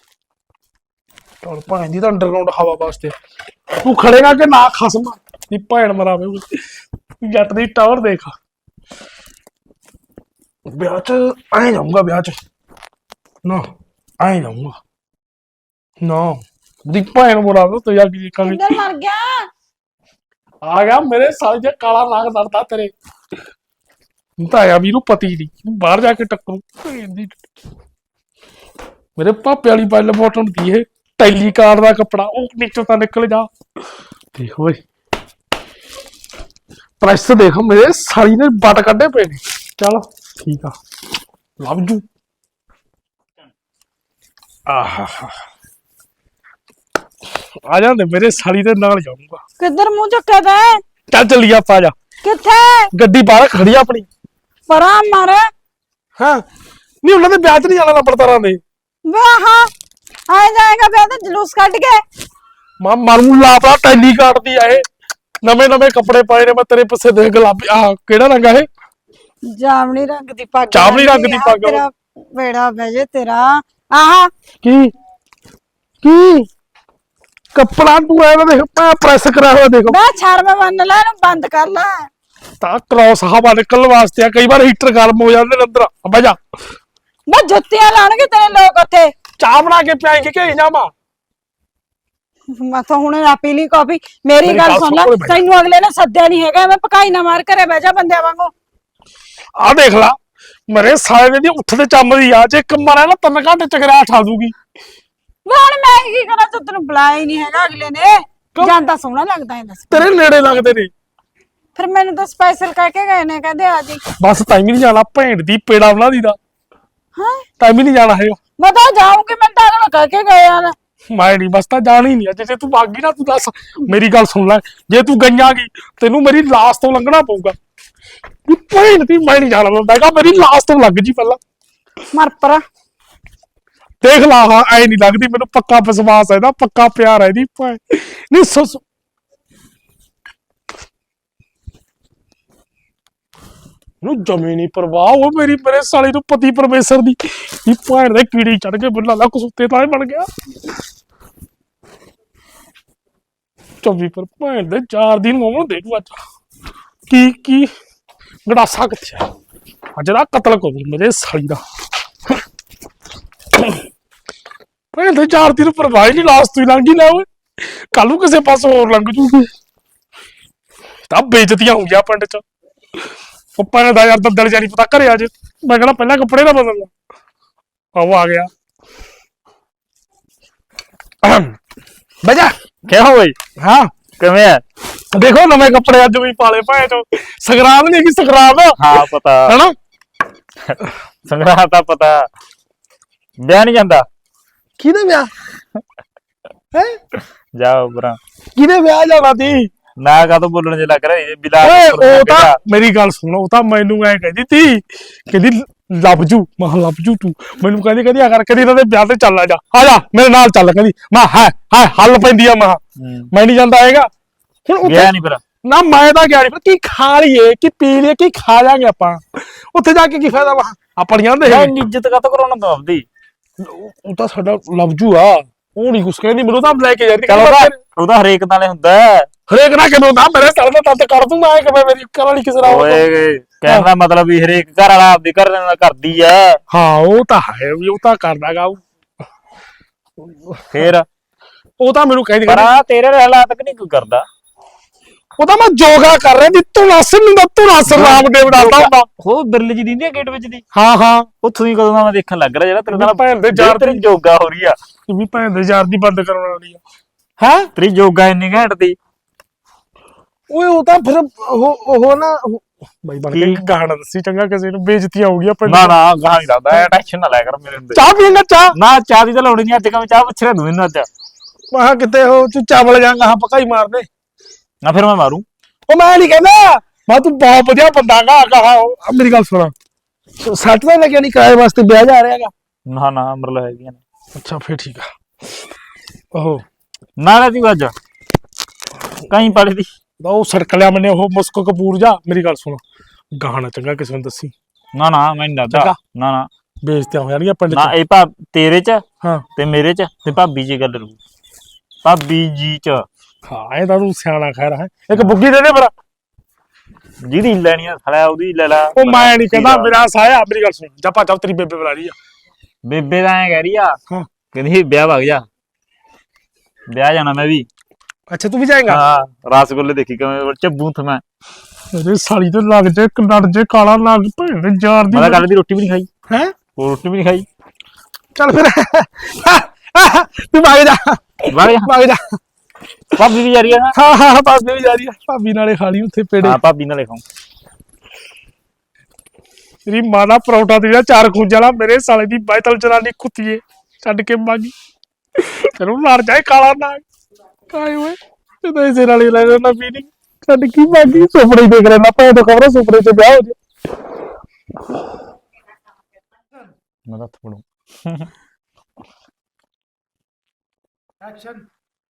[SPEAKER 3] ਚਲ ਭਾਂ ਦੀ ਤਾਂ ਅੰਡਰਗਰਾਉਂਡ ਹਵਾ ਵਾਸਤੇ ਤੂੰ ਖੜੇਗਾ ਕਿ ਨਾ ਖਸਮ ਦੀ ਭੈਣ ਮਰਾਵੇ ਓਏ। ਜੱਟ ਦੀ ਟਾਵਰ ਦੇਖ। ਵਿਆਹ ਚ ਆਏ ਜਾਊਂਗਾ ਵਿਆਹ ਚ ਨਾ ਆਏ ਜਾਊਂਗਾ ਨਾ ਦੀ ਭੈਣ ਮਰਾਵੇ ਤੂੰ ਯਾਰ ਕੀ ਕਰੀ
[SPEAKER 1] ਕਿੱਧਰ ਮਰ ਗਿਆ?
[SPEAKER 3] ਆ ਗਿਆ ਮੇਰੇ ਸਾਲੇ ਜੇ ਕਾਲਾ ਨਾਗ ਦਰਦਾ ਤੇਰੇ। ਤੂੰ ਤਾਂ ਆਇਆ ਵੀਰੂ ਪਤੀ ਦੀ ਬਾਹਰ ਜਾ ਕੇ ਟੱਕਰੂ ਮੇਰੇ ਪਾਪੇ ਵਾਲੀ ਬੱਲ ਬੋਟਮ ਦੀ ਇਹ ਟੈਲੀ ਕਾਰ ਦਾ ਕੱਪੜਾ ਉਹ ਨੀਚੋਂ ਤਾਂ ਨਿਕਲ ਜਾ। ਦੇਖ ਓਏ ਪ੍ਰੈਸ ਦੇਖ ਮੇਰੇ ਸਾਲੀ ਨੇ ਬੱਟ ਕੱਢੇ ਪਏ ਨੇ। ਚੱਲ ਠੀਕ ਆ ਲਵ ਜੂ। ਆਹਾ ਆ ਜਾਂਦੇ ਮੇਰੇ ਸਾਲੀ ਦੇ ਨਾਲ ਜਾਊਂਗਾ।
[SPEAKER 1] ਕਿੱਧਰ ਮੂੰਹ ਚੱਕਿਆ ਤੈ?
[SPEAKER 3] ਚੱਲ ਚੱਲੀਏ ਆਪਾਂ ਜਾ।
[SPEAKER 1] ਕਿੱਥੇ?
[SPEAKER 3] ਗੱਡੀ ਬਾਹਰ ਖੜੀ ਆ ਆਪਣੀ।
[SPEAKER 1] ਪਰਾਂ ਮਾਰ।
[SPEAKER 3] ਹਾਂ ਨਹੀਂ ਉਹਨਾਂ ਦੇ ਵਿਆਹ ਚ ਨਹੀਂ ਜਾਣਾ ਲੰਬੜਦਾਰਾਂ ਦੇ।
[SPEAKER 1] ਵਾਹ ਆਏ ਜਾਏਗਾ ਵਿਆਹ ਤੇ ਜਲੂਸ ਕੱਢ ਕੇ।
[SPEAKER 3] ਮਾਂ ਮਰੂ ਲਾਪੜਾ ਟੈਲੀ ਕਾਟਦੀ ਆ ਇਹ। ਨਵੇਂ ਨਵੇਂ ਕੱਪੜੇ ਪਾਏ ਨੇ ਮੈਂ ਤੇਰੇ ਪਿੱਛੇ ਦੇਖ ਗੁਲਾਬੀ ਆਹ ਕਿਹੜਾ ਰੰਗ ਆ ਇਹ?
[SPEAKER 1] ਜਾਮਣੀ ਰੰਗ ਦੀ ਪੱਗ।
[SPEAKER 3] ਜਾਮਣੀ ਰੰਗ ਦੀ ਪੱਗ।
[SPEAKER 1] ਤੇਰਾ ਬੇੜਾ ਬਹਿ ਤੇਰਾ। ਆਹ
[SPEAKER 3] ਕੀ ਕੀ ਕੱਪੜਾ ਤੂੰ ਐ ਦੇਖ ਮੈਂ ਪ੍ਰੈਸ ਕਰਿਆ ਹੋਇਆ ਦੇਖ।
[SPEAKER 1] ਬੈ ਸ਼ਰਮ ਮੰਨ ਲੈ ਇਹਨੂੰ ਬੰਦ ਕਰ ਲੈ।
[SPEAKER 3] ਤਾਂ ਕ੍ਰੋਸ ਹਵਾ ਨਿਕਲਣ ਵਾਸਤੇ ਆ ਕਈ ਵਾਰ ਹੀਟਰ ਗਰਮ ਹੋ ਜਾਂਦੇ ਨੇ ਅੰਦਰ। ਬਹਿ ਜਾ।
[SPEAKER 1] ਮੈਂ ਜੁੱਤੀਆਂ ਲਾਣਗੇ ਤੇਰੇ ਲੋਕ ਉੱਥੇ।
[SPEAKER 3] ਚਾਹ ਬਣਾ ਕੇ ਪਿਆਏਂਗੇ ਕਿ ਜਾਵਾਂ?
[SPEAKER 1] ਮੈਂ ਤਾਂ ਹੁਣ ਆ ਪੀ ਲਈ ਕਾਫੀ। ਮੇਰੀ
[SPEAKER 3] ਮੇਰੀ
[SPEAKER 1] ਗੱਲ
[SPEAKER 3] ਗੱਲ
[SPEAKER 1] ਸੁਣ ਲੈ
[SPEAKER 3] ਸੁਣ ਓਏ ਬਾਈ।
[SPEAKER 1] ਤੈਨੂੰ ਅਗਲੇ ਨੇ ਸੱਦਿਆ ਨਹੀਂ ਹੈਗਾ। ਮੈਂ ਪਕਾਈ ਨਾ ਮਾਰ ਘਰੇ ਬਹਿ ਜਾ ਬੰਦਿਆਂ ਵਾਂਗੂ।
[SPEAKER 3] ਆ ਦੇਖ ਲਾ ਮੇਰੇ ਸਾਲੇ ਦੀ ਉੱਠਦੇ ਚੰਮਦੀ ਆ ਜੇ ਇੱਕ ਮਾਰਿਆ ਨਾ 3 ਘੰਟੇ ਚਕਰਾ ਠਾ ਦੂਗੀ।
[SPEAKER 1] ਵੇ ਹੁਣ ਮੈਂ ਕੀ ਕਰਾਂ ਜਦ ਤੈਨੂੰ ਬੁਲਾਇਆ ਹੀ ਨਹੀਂ ਹੈਗਾ ਅਗਲੇ ਨੇ। ਜਾਂਦਾ ਸੋਹਣਾ ਲੱਗਦਾ ਹੈ ਦੱਸ।
[SPEAKER 3] ਤੇਰੇ ਨੇੜੇ ਲੱਗਦੇ ਨੇ।
[SPEAKER 1] ਫਿਰ ਮੈਨੂੰ ਤਾਂ ਸਪੈਸ਼ਲ ਕਹਿ ਕੇ ਗਏ ਨੇ ਕਹਿੰਦੇ ਆ ਜੀ।
[SPEAKER 3] ਬਸ ਟਾਈਮ ਹੀ ਨਹੀਂ ਜਾਣਾ ਭੈਣ ਦੀ ਪੇੜਾ ਬਣਾ ਦੀ ਦਾ
[SPEAKER 1] ਹਾਂ
[SPEAKER 3] ਟਾਈਮ ਹੀ ਨਹੀਂ ਜਾਣਾ ਹੈਗਾ।
[SPEAKER 1] ਮੈਂ ਤਾਂ ਜਾਊਂਗੀ ਮੈਂ ਤਾਂ ਅਗਲੇ ਕਹਿ ਕੇ ਗਏ ਆ।
[SPEAKER 3] ਮੈਂ ਨਹੀਂ ਬਸ ਤਾਂ ਜਾਣਾ ਹੀ ਨਹੀਂ ਅੱਜ ਜੇ ਤੂੰ ਬਾਗੀ ਨਾ ਤੂੰ ਦੱਸ ਮੇਰੀ ਗੱਲ ਸੁਣ ਲੈ ਜੇ ਤੂੰ ਗਈਆਂਗੀ ਤੈਨੂੰ ਮੇਰੀ ਲਾਸ਼ ਤੋਂ ਲੰਘਣਾ ਪਊਗਾ। ਤੂੰ ਭੈਣ ਦੀ ਮੈਂ ਨਹੀਂ ਜਾਣਾ ਮੈਂ ਕਿਹਾ ਮੇਰੀ ਲਾਸ਼ ਤੋਂ ਲੱਗ ਜੀ ਪਹਿਲਾਂ।
[SPEAKER 1] ਮਰ ਪਰਾ
[SPEAKER 3] ਦੇਖ ਲਾ ਹਾਂ ਐ ਨਹੀਂ ਲੱਗਦੀ ਮੈਨੂੰ ਪੱਕਾ ਵਿਸ਼ਵਾਸ ਹੈ ਇਹਦਾ ਪੱਕਾ ਪਿਆਰ ਹੈ ਇਹਦੀ ਭੈਣ ਨਹੀਂ ਸੁਸ ਨੂੰ ਜਮੀ ਨਹੀਂ ਪਰਵਾਹ ਉਹ ਮੇਰੀ ਮੇਰੇ ਸਾਲੇ ਨੂੰ ਪਤੀ ਪਰਮੇਸ਼ਰ ਦੀ ਇਹ ਭੈਣ ਦੇ ਕੀੜੀ ਚੜ ਕੇ ਬੰਦਾ ਲਾ ਕਸੂਤੇ ਤਾਂ ਬਣ ਗਿਆ 24 ਪਰ ਭੈਣ ਦੇ 4 ਦਿਨ ਮੋਮੋ ਦੇ ਦੂ ਅੱਜ ਕੀ ਗੜਾਸਾ ਕਿੱਥੇ ਆ ਅੱਜ ਦਾ ਕਤਲ ਕਰੂ ਮੇਰੇ ਸਾਲੀ ਦਾ ਭੈਣ ਦੇ 4 ਦਿਨ ਪਰਵਾਹ ਨਹੀਂ ਲਾਸਟ ਤੋਂ ਹੀ ਲੰਘ ਹੀ ਲੈ ਓਏ ਕੱਲ ਨੂੰ ਕਿਸੇ ਪਾਸੋਂ ਹੋਰ ਲੰਘ ਜੂਗੀ ਤਾਂ ਬੇਇੱਜ਼ਤੀਆਂ ਹੋ ਗਿਆ ਪਿੰਡ ਚ ਉੱਪਰ ਨੇ ਦਾ ਯਾਰ ਦੰਦਲ ਜਾਨੀ ਪਤਾ ਘਰੇ ਅੱਜ ਮੈਂ ਕਹਿੰਦਾ ਪਹਿਲਾਂ ਕੱਪੜੇ ਨਾ ਬਦਲ ਲਾ ਉਹ ਆ ਗਿਆ ਬਜਾ
[SPEAKER 2] ਕਿਹਾ ਹੋਈ
[SPEAKER 3] ਹਾਂ
[SPEAKER 2] ਕਿਵੇਂ ਹੈ?
[SPEAKER 3] ਦੇਖੋ ਨਵੇਂ ਕੱਪੜੇ ਅੱਜ ਵੀ ਪਾਲੇ ਭਾਏ ਚੋ ਸੰਗਰਾਮ ਨਹੀਂ ਹੈਗੀ ਸੰਗਰਾਮ
[SPEAKER 2] ਹਾਂ ਪਤਾ
[SPEAKER 3] ਹੈਨਾ
[SPEAKER 2] ਸੰਗਰਾਮ ਦਾ ਪਤਾ ਵਿਆਹ ਨਹੀਂ ਜਾਂਦਾ
[SPEAKER 3] ਕਿਹਦੇ ਵਿਆਹ ਹੈ
[SPEAKER 2] ਜਾਓ ਬਰਾ
[SPEAKER 3] ਕਿਹਦੇ ਵਿਆਹ ਜਾਣਾ ਤੀ
[SPEAKER 2] ਨਾ ਕਾ ਤੋਂ ਬੋਲਣ ਜੇ ਲੱਗ ਰਿਹਾ ਬਿਲਾ
[SPEAKER 3] ਓਏ ਉਹ ਤਾਂ ਮੇਰੀ ਗੱਲ ਸੁਣੋ ਉਹ ਤਾਂ ਮੈਨੂੰ ਐ ਕਹਿੰਦੀ ਤੀ ਕਹਿੰਦੀ ਲੱਭ ਜੂ ਮੈਂ ਲੱਭ ਜੂ ਤੂੰ ਮੈਨੂੰ ਕਹਿੰਦੀ ਆ ਕਰ ਕਦੀ ਇਹਨਾਂ ਦੇ ਵਿਆਹ ਤੇ ਚੱਲ ਆ ਜਾ ਮੇਰੇ ਨਾਲ ਚੱਲ ਕਹਿੰਦੀ ਮੈਂ ਹੈ ਹੱਲ ਪੈਂਦੀ ਆ ਮੈਂ ਨਹੀਂ ਜਾਂਦਾ ਹੈਗਾ ਹੁਣ
[SPEAKER 2] ਗਿਆ ਨਹੀਂ ਪਰ
[SPEAKER 3] ਨਾ ਮੈਂ ਤਾਂ ਗਿਆ ਨਹੀਂ ਪਰ ਕੀ ਖਾ ਲਈਏ ਕੀ ਪੀ ਲਈਏ ਕੀ ਖਾ ਜਾਾਂਗੇ ਆਪਾਂ ਉੱਥੇ ਜਾ ਕੇ ਕੀ ਫਾਇਦਾ ਵਾ ਆਪਣੀਆਂ ਦੇ
[SPEAKER 2] ਇੱਜ਼ਤ ਕਾ ਕਰਾਉਣਾ ਤੂੰ ਆਪਦੀ
[SPEAKER 3] ਉਹ ਤਾਂ ਸਾਡਾ ਲੱਭ ਜੂ ਆ ਉਹ ਨਹੀਂ ਕੁਛ ਕਹਿੰਦੀ ਮੈਨੂੰ ਤਾਂ ਲੈ ਕੇ ਜਾਂਦੀ
[SPEAKER 2] ਉਹਦਾ ਹਰੇਕ ਨਾਲੇ ਹੁੰਦਾ
[SPEAKER 3] ਹਰੇਕ ਨਾ ਕਿਵੇਂ ਹੁੰਦਾ ਮੇਰੇ ਸਾਲ ਦਾ ਤੱਤ ਕਰ ਦੂੰ ਮੈਂ ਕਿਵੇਂ ਮੇਰੀ ਘਰ ਵਾਲੀ ਕਿਸੇ ਨਾਲ
[SPEAKER 2] ਓਏ ਕਹਿਣ ਦਾ ਮਤਲਬ ਵੀ ਹਰੇਕ ਘਰ ਵਾਲਾ ਆਪਦੀ ਘਰ ਨਾਲ ਕਰਦੀ ਐ
[SPEAKER 3] ਹਾਂ ਉਹ ਤਾਂ ਹੈ ਵੀ ਉਹ ਤਾਂ ਕਰਦਾਗਾ
[SPEAKER 2] ਫੇਰ
[SPEAKER 3] ਉਹ ਤਾਂ ਮੈਨੂੰ ਕਹਿੰਦੀ
[SPEAKER 2] ਪਰ ਆ ਤੇਰੇ ਹਾਲਾਤ ਕਿ ਨਹੀਂ ਕੋਈ ਕਰਦਾ
[SPEAKER 3] ਉਹ ਤਾਂ ਮੈਂ ਯੋਗਾ ਕਰ ਰਿਹਾ ਦੀ ਤੂੰ ਨਸ ਰਾਮਦੇਵ ਡਾਲਦਾ ਹੁੰਦਾ
[SPEAKER 2] ਉਹ ਬਿਰਲ ਜੀ ਦਿੰਦੀ ਆ ਗੇਟ ਵਿੱਚ ਦੀ
[SPEAKER 3] ਹਾਂ
[SPEAKER 2] ਉੱਥੋਂ ਹੀ ਕਦੋਂ ਦਾ ਮੈਂ ਦੇਖਣ ਲੱਗ ਰਿਹਾ ਜਿਹੜਾ ਤੇਰੇ ਨਾਲ
[SPEAKER 3] ਭੈਣ ਦੇ ਯਾਰ
[SPEAKER 2] ਤੇਰੀ ਯੋਗਾ ਹੋ ਰਹੀ ਆ
[SPEAKER 3] ਵੀ ਭੈਣ ਦੇ ਯਾਰ ਦੀ ਬੰਦ ਕਰਾਉਣ ਵਾਲੀ ਆ ਹੈ
[SPEAKER 2] ਤੇਰੀ ਯੋਗਾ ਇੰਨੀ ਘੈਂਟ ਦੀ
[SPEAKER 3] ਓਏ ਉਹ ਤਾਂ ਫਿਰ ਉਹ ਨਾ ਬਾਈ ਬਣ ਕੇ ਗਾਣਾ ਦੱਸੀ ਚੰਗਾ ਕਿਸੇ ਨੂੰ ਬੇਇੱਜ਼ਤੀ ਆਊਗੀ ਆਪਾਂ
[SPEAKER 2] ਨਾ ਗਾਹ ਨਹੀਂ ਲੱਗਦਾ ਟੈਨਸ਼ਨ ਨਾ ਲੈ ਕਰ ਮੇਰੇ ਹੁੰਦੇ
[SPEAKER 3] ਚਾਹ ਪੀਏਂਗਾ ਚਾਹ
[SPEAKER 2] ਨਾ ਚਾਹ ਦੀ ਤਾਂ ਲੋੜ ਨਹੀਂ ਅੱਜ ਕੱਲ ਚਾਹ ਪੁੱਛ ਰਿਹਾ ਤੂੰ ਮੈਨੂੰ ਅੱਜ
[SPEAKER 3] ਮੈਂ ਕਿਤੇ ਉਹ ਤੂੰ ਚਾਵਲ ਜਾਂਗਾ ਹਾਂ ਪਕਾਈ ਮਾਰਦੇ
[SPEAKER 2] ਨਾ ਫਿਰ ਮੈਂ ਮਾਰੂ
[SPEAKER 3] ਉਹ ਮੈਂ ਨਹੀਂ ਕਹਿੰਦਾ ਮੈਂ ਤੂੰ ਬਹੁਤ ਵਧੀਆ ਬੰਦਾ ਕਹਾ ਮੇਰੀ ਗੱਲ ਸੁਣਾ ਸੱਟ ਤਾਂ ਲੱਗਿਆ ਨਹੀਂ ਕਿਰਾਏ ਵਾਸਤੇ ਵਿਆਹ ਜਾ ਰਿਹਾਗਾ
[SPEAKER 2] ਨਾ ਅਮਰਲ ਹੈਗੀਆਂ ਨੇ
[SPEAKER 3] ਅੱਛਾ ਫੇਰ ਠੀਕ ਆ ਓਹੋ
[SPEAKER 2] ਨਾਲੇ ਤੂੰ ਅੱਜ ਕਹੀਂ ਪੜੀ ਦੀ
[SPEAKER 3] ਉਹ ਸੜਕ ਲਿਆ ਮੈਨੇ ਉਹ ਮੁਸਕ ਕਪੂਰ ਜਾ ਮੇਰੀ ਗੱਲ ਸੁਣ ਗਾਣਾ ਚੰਗਾ ਕਿਸੇ ਨੂੰ ਦੱਸੀ
[SPEAKER 2] ਨਾ ਨਾ ਮੈਂ ਨਹੀਂ ਦੱਸਦਾ
[SPEAKER 3] ਚੰਗਾ।
[SPEAKER 2] ਨਾ ਨਾ
[SPEAKER 3] ਬੇਇੱਜ਼ਤੀਆਂ ਹੋ ਜਾਣਗੀਆਂ ਪਿੰਡ
[SPEAKER 2] ਨਾ
[SPEAKER 3] ਚ
[SPEAKER 2] ਇਹ ਤੇਰੇ ਚ
[SPEAKER 3] ਹਾਂ
[SPEAKER 2] ਤੇ ਮੇਰੇ ਚ ਤੇ ਭਾਬੀ ਜੀ ਗੱਲ ਰੂ ਭਾਬੀ ਜੀ ਚ
[SPEAKER 3] ਹਾਂ ਇਹ ਤਾਂ ਤੂੰ ਸਿਆਣਾ ਖੈਰ ਹੈ ਇੱਕ ਬੁੱਗੀ ਦੇ ਦੇ ਮੇਰਾ
[SPEAKER 2] ਜਿਹਦੀ ਲੈਣੀ ਆ ਸਾਲਾ ਉਹਦੀ ਲੈ ਲੈ
[SPEAKER 3] ਉਹ ਮੈਂ ਨਹੀਂ ਕਹਿੰਦਾ ਮੇਰਾ ਸਾਇਆ ਮੇਰੀ ਗੱਲ ਸੁਣ ਜਾ ਭੱਜ ਜਾ ਤੇਰੀ ਬੇਬੇ ਬੁਲਾ ਰਹੀ ਆ
[SPEAKER 2] ਬੇਬੇ ਦਾ ਐ ਕਹਿ ਰਹੀ ਆ
[SPEAKER 3] ਹਾਂ
[SPEAKER 2] ਕਹਿੰਦੀ ਵਿਆਹ ਵਗ ਜਾ ਵਿਆਹ ਜਾਣਾ ਮੈਂ ਵੀ
[SPEAKER 3] ਅੱਛਾ ਤੂੰ ਵੀ ਜਾਏਗਾ
[SPEAKER 2] ਹਾਂ ਰਸਗੁੱਲੇ ਦੇਖੀ ਕਿਵੇਂ ਚੱਬੂ ਥ ਮੈਂ
[SPEAKER 3] ਮੇਰੇ ਸਾਲੀ ਤੇ ਲੱਗ ਜੇ ਲੜ ਜੇ ਕਾਲਾ ਲੱਗ ਭੈਣ ਦੇ ਯਾਰ ਦੀ
[SPEAKER 2] ਮੈਂ ਤਾਂ ਕੱਲ ਦੀ ਰੋਟੀ ਵੀ ਨਹੀਂ ਖਾਈ
[SPEAKER 3] ਹੈ
[SPEAKER 2] ਉਹ ਰੋਟੀ ਵੀ ਨਹੀਂ ਖਾਈ
[SPEAKER 3] ਚੱਲ ਫਿਰ ਤੂੰ ਭਾਗ ਜਾ
[SPEAKER 2] ਵਗ ਜਾ
[SPEAKER 3] ਭਾਗ ਜਾ
[SPEAKER 2] ਭਾਬੀ ਵੀ ਜਾ ਰਹੀ ਆ ਨਾ
[SPEAKER 3] ਹਾਂ ਹਾਂ ਭਾਬੀ ਵੀ ਜਾ ਰਹੀ ਆ ਭਾਬੀ ਨਾਲੇ ਖਾ ਲਈ ਉੱਥੇ ਪੇੜੇ
[SPEAKER 2] ਹਾਂ ਭਾਬੀ ਨਾਲੇ ਖਾਉ
[SPEAKER 3] ਤੇਰੀ ਮਾਂ ਦਾ ਪਰੌਂਠਾ ਤੇ ਚਾਰ ਖੂੰਜਾਂ ਵਾਲਾ ਮੇਰੇ ਸਾਲੇ ਦੀ ਬਾਇਤਲ ਚਰਾਨੀ ਕੁੱਤੀਏ ਛੱਡ ਕੇ ਮਾਗੀ ਤੈਨੂੰ ਲੜ ਜਾਏ ਕਾਲਾ ਨਾਗ ਕਾਏ ਓਏ ਤੇ ਤਾਂ ਇਸੇ ਨਾਲ ਹੀ ਲੈ ਜਾਣਾ ਪੀਣੀ ਛੱਡ ਕੀ ਮਾਗੀ ਸੁਪਨੇ ਦੇਖ ਲੈਣਾ ਭਾਵੇਂ ਤਾਂ ਖਬਰ ਸੁਪਨੇ ਚ ਵਿਆਹ ਹੋ ਜਾ
[SPEAKER 2] ਮੈਂ ਤਾਂ ਥੋੜੂ
[SPEAKER 3] ਐਕਸ਼ਨ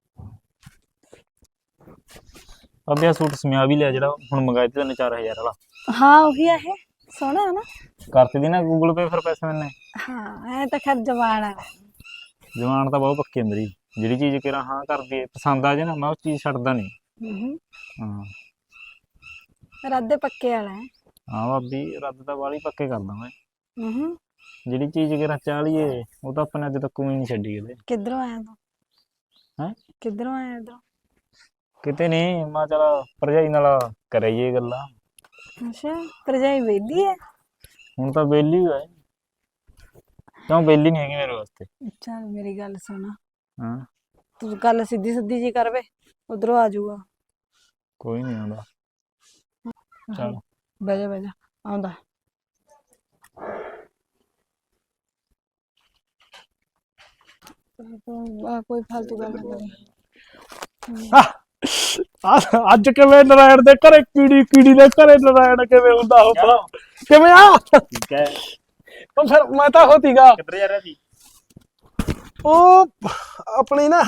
[SPEAKER 2] ਅਬੇ ਆ ਸੂਟ ਸਮਿਆ ਵੀ ਲਿਆ ਜਿਹੜਾ ਹੁਣ ਮੰਗਾਇਆ ਤੇ 4000 ਵਾਲਾ
[SPEAKER 1] ਹਾਂ ਉਹੀ ਆ ਇਹ ਸੋਹਣਾ ਹੈ ਨਾ
[SPEAKER 2] ਕਰਤੇ ਦੀ ਨਾ ਗੂਗਲ ਪੇ ਫਿਰ ਪੈਸੇ ਮੈਨੇ
[SPEAKER 1] ਹਾਂ ਇਹ ਤਾਂ ਖੈਰ ਜਵਾਨ ਆ
[SPEAKER 2] ਜਵਾਨ ਤਾਂ ਬਹੁਤ ਪੱਕੀ ਮੇਰੀ ਜਿਹੜੀ ਚੀਜ਼ ਕਿਰਾ ਹਾਂ ਕਰਦੀ ਏ ਪਸੰਦ ਆ ਜੇ ਨਾ ਮੈਂ ਉਹ ਚੀਜ਼ ਛੱਡਦਾ ਨਹੀਂ
[SPEAKER 1] ਹੂੰ
[SPEAKER 2] ਹਾਂ
[SPEAKER 1] ਰੱਦੇ ਪੱਕੇ ਵਾਲਾ ਹੈ
[SPEAKER 2] ਹਾਂ ਭਾਬੀ ਰੱਦ ਤਾਂ ਵਾਲੀ ਪੱਕੇ ਕਰਦਾ ਮੈਂ
[SPEAKER 1] ਹੂੰ
[SPEAKER 2] ਜਿਹੜੀ ਚੀਜ਼ ਕਿਰਾ ਚਾਲੀਏ ਉਹ ਤਾਂ ਆਪਣੇ ਅੱਜ ਤੱਕ ਕੋਈ ਨਹੀਂ ਛੱਡੀ ਕਿਤੇ
[SPEAKER 1] ਕਿੱਧਰੋਂ ਆਇਆ ਤੂੰ
[SPEAKER 2] ਹੈਂ
[SPEAKER 1] ਕਿੱਧਰੋਂ ਆਇਆ ਇਧਰੋਂ
[SPEAKER 2] ਕਿਤੇ ਨਹੀਂ ਮੈਂ ਚਲ ਭਰਜਾਈ ਨਾਲ ਕਰਾਈਏ ਗੱਲਾਂ
[SPEAKER 1] ਅੱਛਾ ਭਰਜਾਈ ਵੇਦੀ ਹੈ
[SPEAKER 2] ਹੁਣ ਤਾਂ ਵਿਹਲੀ ਹੋਇਆ ਕਿਉਂ ਵਿਹਲੀ ਨਹੀਂ ਹੈਗੀ ਮੇਰੇ ਵਾਸਤੇ
[SPEAKER 1] ਚੱਲ ਮੇਰੀ ਗੱਲ ਸੁਣ
[SPEAKER 2] ਹਾਂ
[SPEAKER 1] ਤੂੰ ਗੱਲ ਸਿੱਧੀ ਸਿੱਧੀ ਜੀ ਕਰਵੇ ਉਧਰੋਂ ਆ ਜਾਊਗਾ
[SPEAKER 2] ਕੋਈ ਨਹੀਂ ਆਉਂਦਾ ਚੱਲ
[SPEAKER 1] ਬਹਿ ਜਾ ਆਉਂਦਾ ਕੋਈ ਫालतू ਗੱਲ ਨਾ ਕਰੀ
[SPEAKER 3] ਅੱਜ ਕਿਵੇਂ ਨਰਾਇਣ ਦੇ ਘਰੇ ਕੀੜੀ ਦੇ ਘਰੇ ਨਰਾਇਣ ਕਿਵੇਂ ਹੁੰਦਾ ਹੋਊਗਾ ਕਿਵੇਂ ਆ
[SPEAKER 2] ਠੀਕ ਹੈ
[SPEAKER 3] ਉਹ ਫਿਰ ਮੈਂ ਤਾਂ ਹੋਤੀਗਾ
[SPEAKER 2] ਕਿੱਧਰ ਜਾ ਰਿਹਾ ਸੀ
[SPEAKER 3] ਉਹ ਆਪਣੀ ਨਾ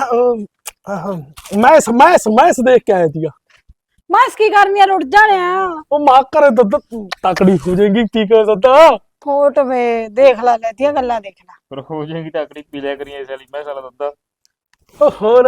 [SPEAKER 3] ਮੈਸ ਦੇਖ ਕੇ ਆਇਆ ਸੀਗਾ
[SPEAKER 1] ਮਾਸ ਕੀ ਕਰਨੀ ਆ ਰੁੱਟ ਜਾਣਿਆ
[SPEAKER 3] ਉਹ ਮਾਂ ਘਰੇ ਦੁੱਧ ਤਕੜੀ ਹੋ ਜਾਏਗੀ ਕੀ ਕਰ ਦੁੱਧ
[SPEAKER 1] ਫੋਟ ਵੇ ਦੇਖ ਲੈ ਲੈਤੀਆਂ ਗੱਲਾਂ ਦੇਖ ਲੈ
[SPEAKER 2] ਪਰ ਹੋ ਜਾਏਗੀ ਟਾਕੜੀ ਪੀ ਲਿਆ ਕਰੀਏ ਇਸ ਵਾਲੀ ਮੈਂ ਸਾਲਾ ਦੁੱਧ
[SPEAKER 3] ਉਹ ਹੋਰ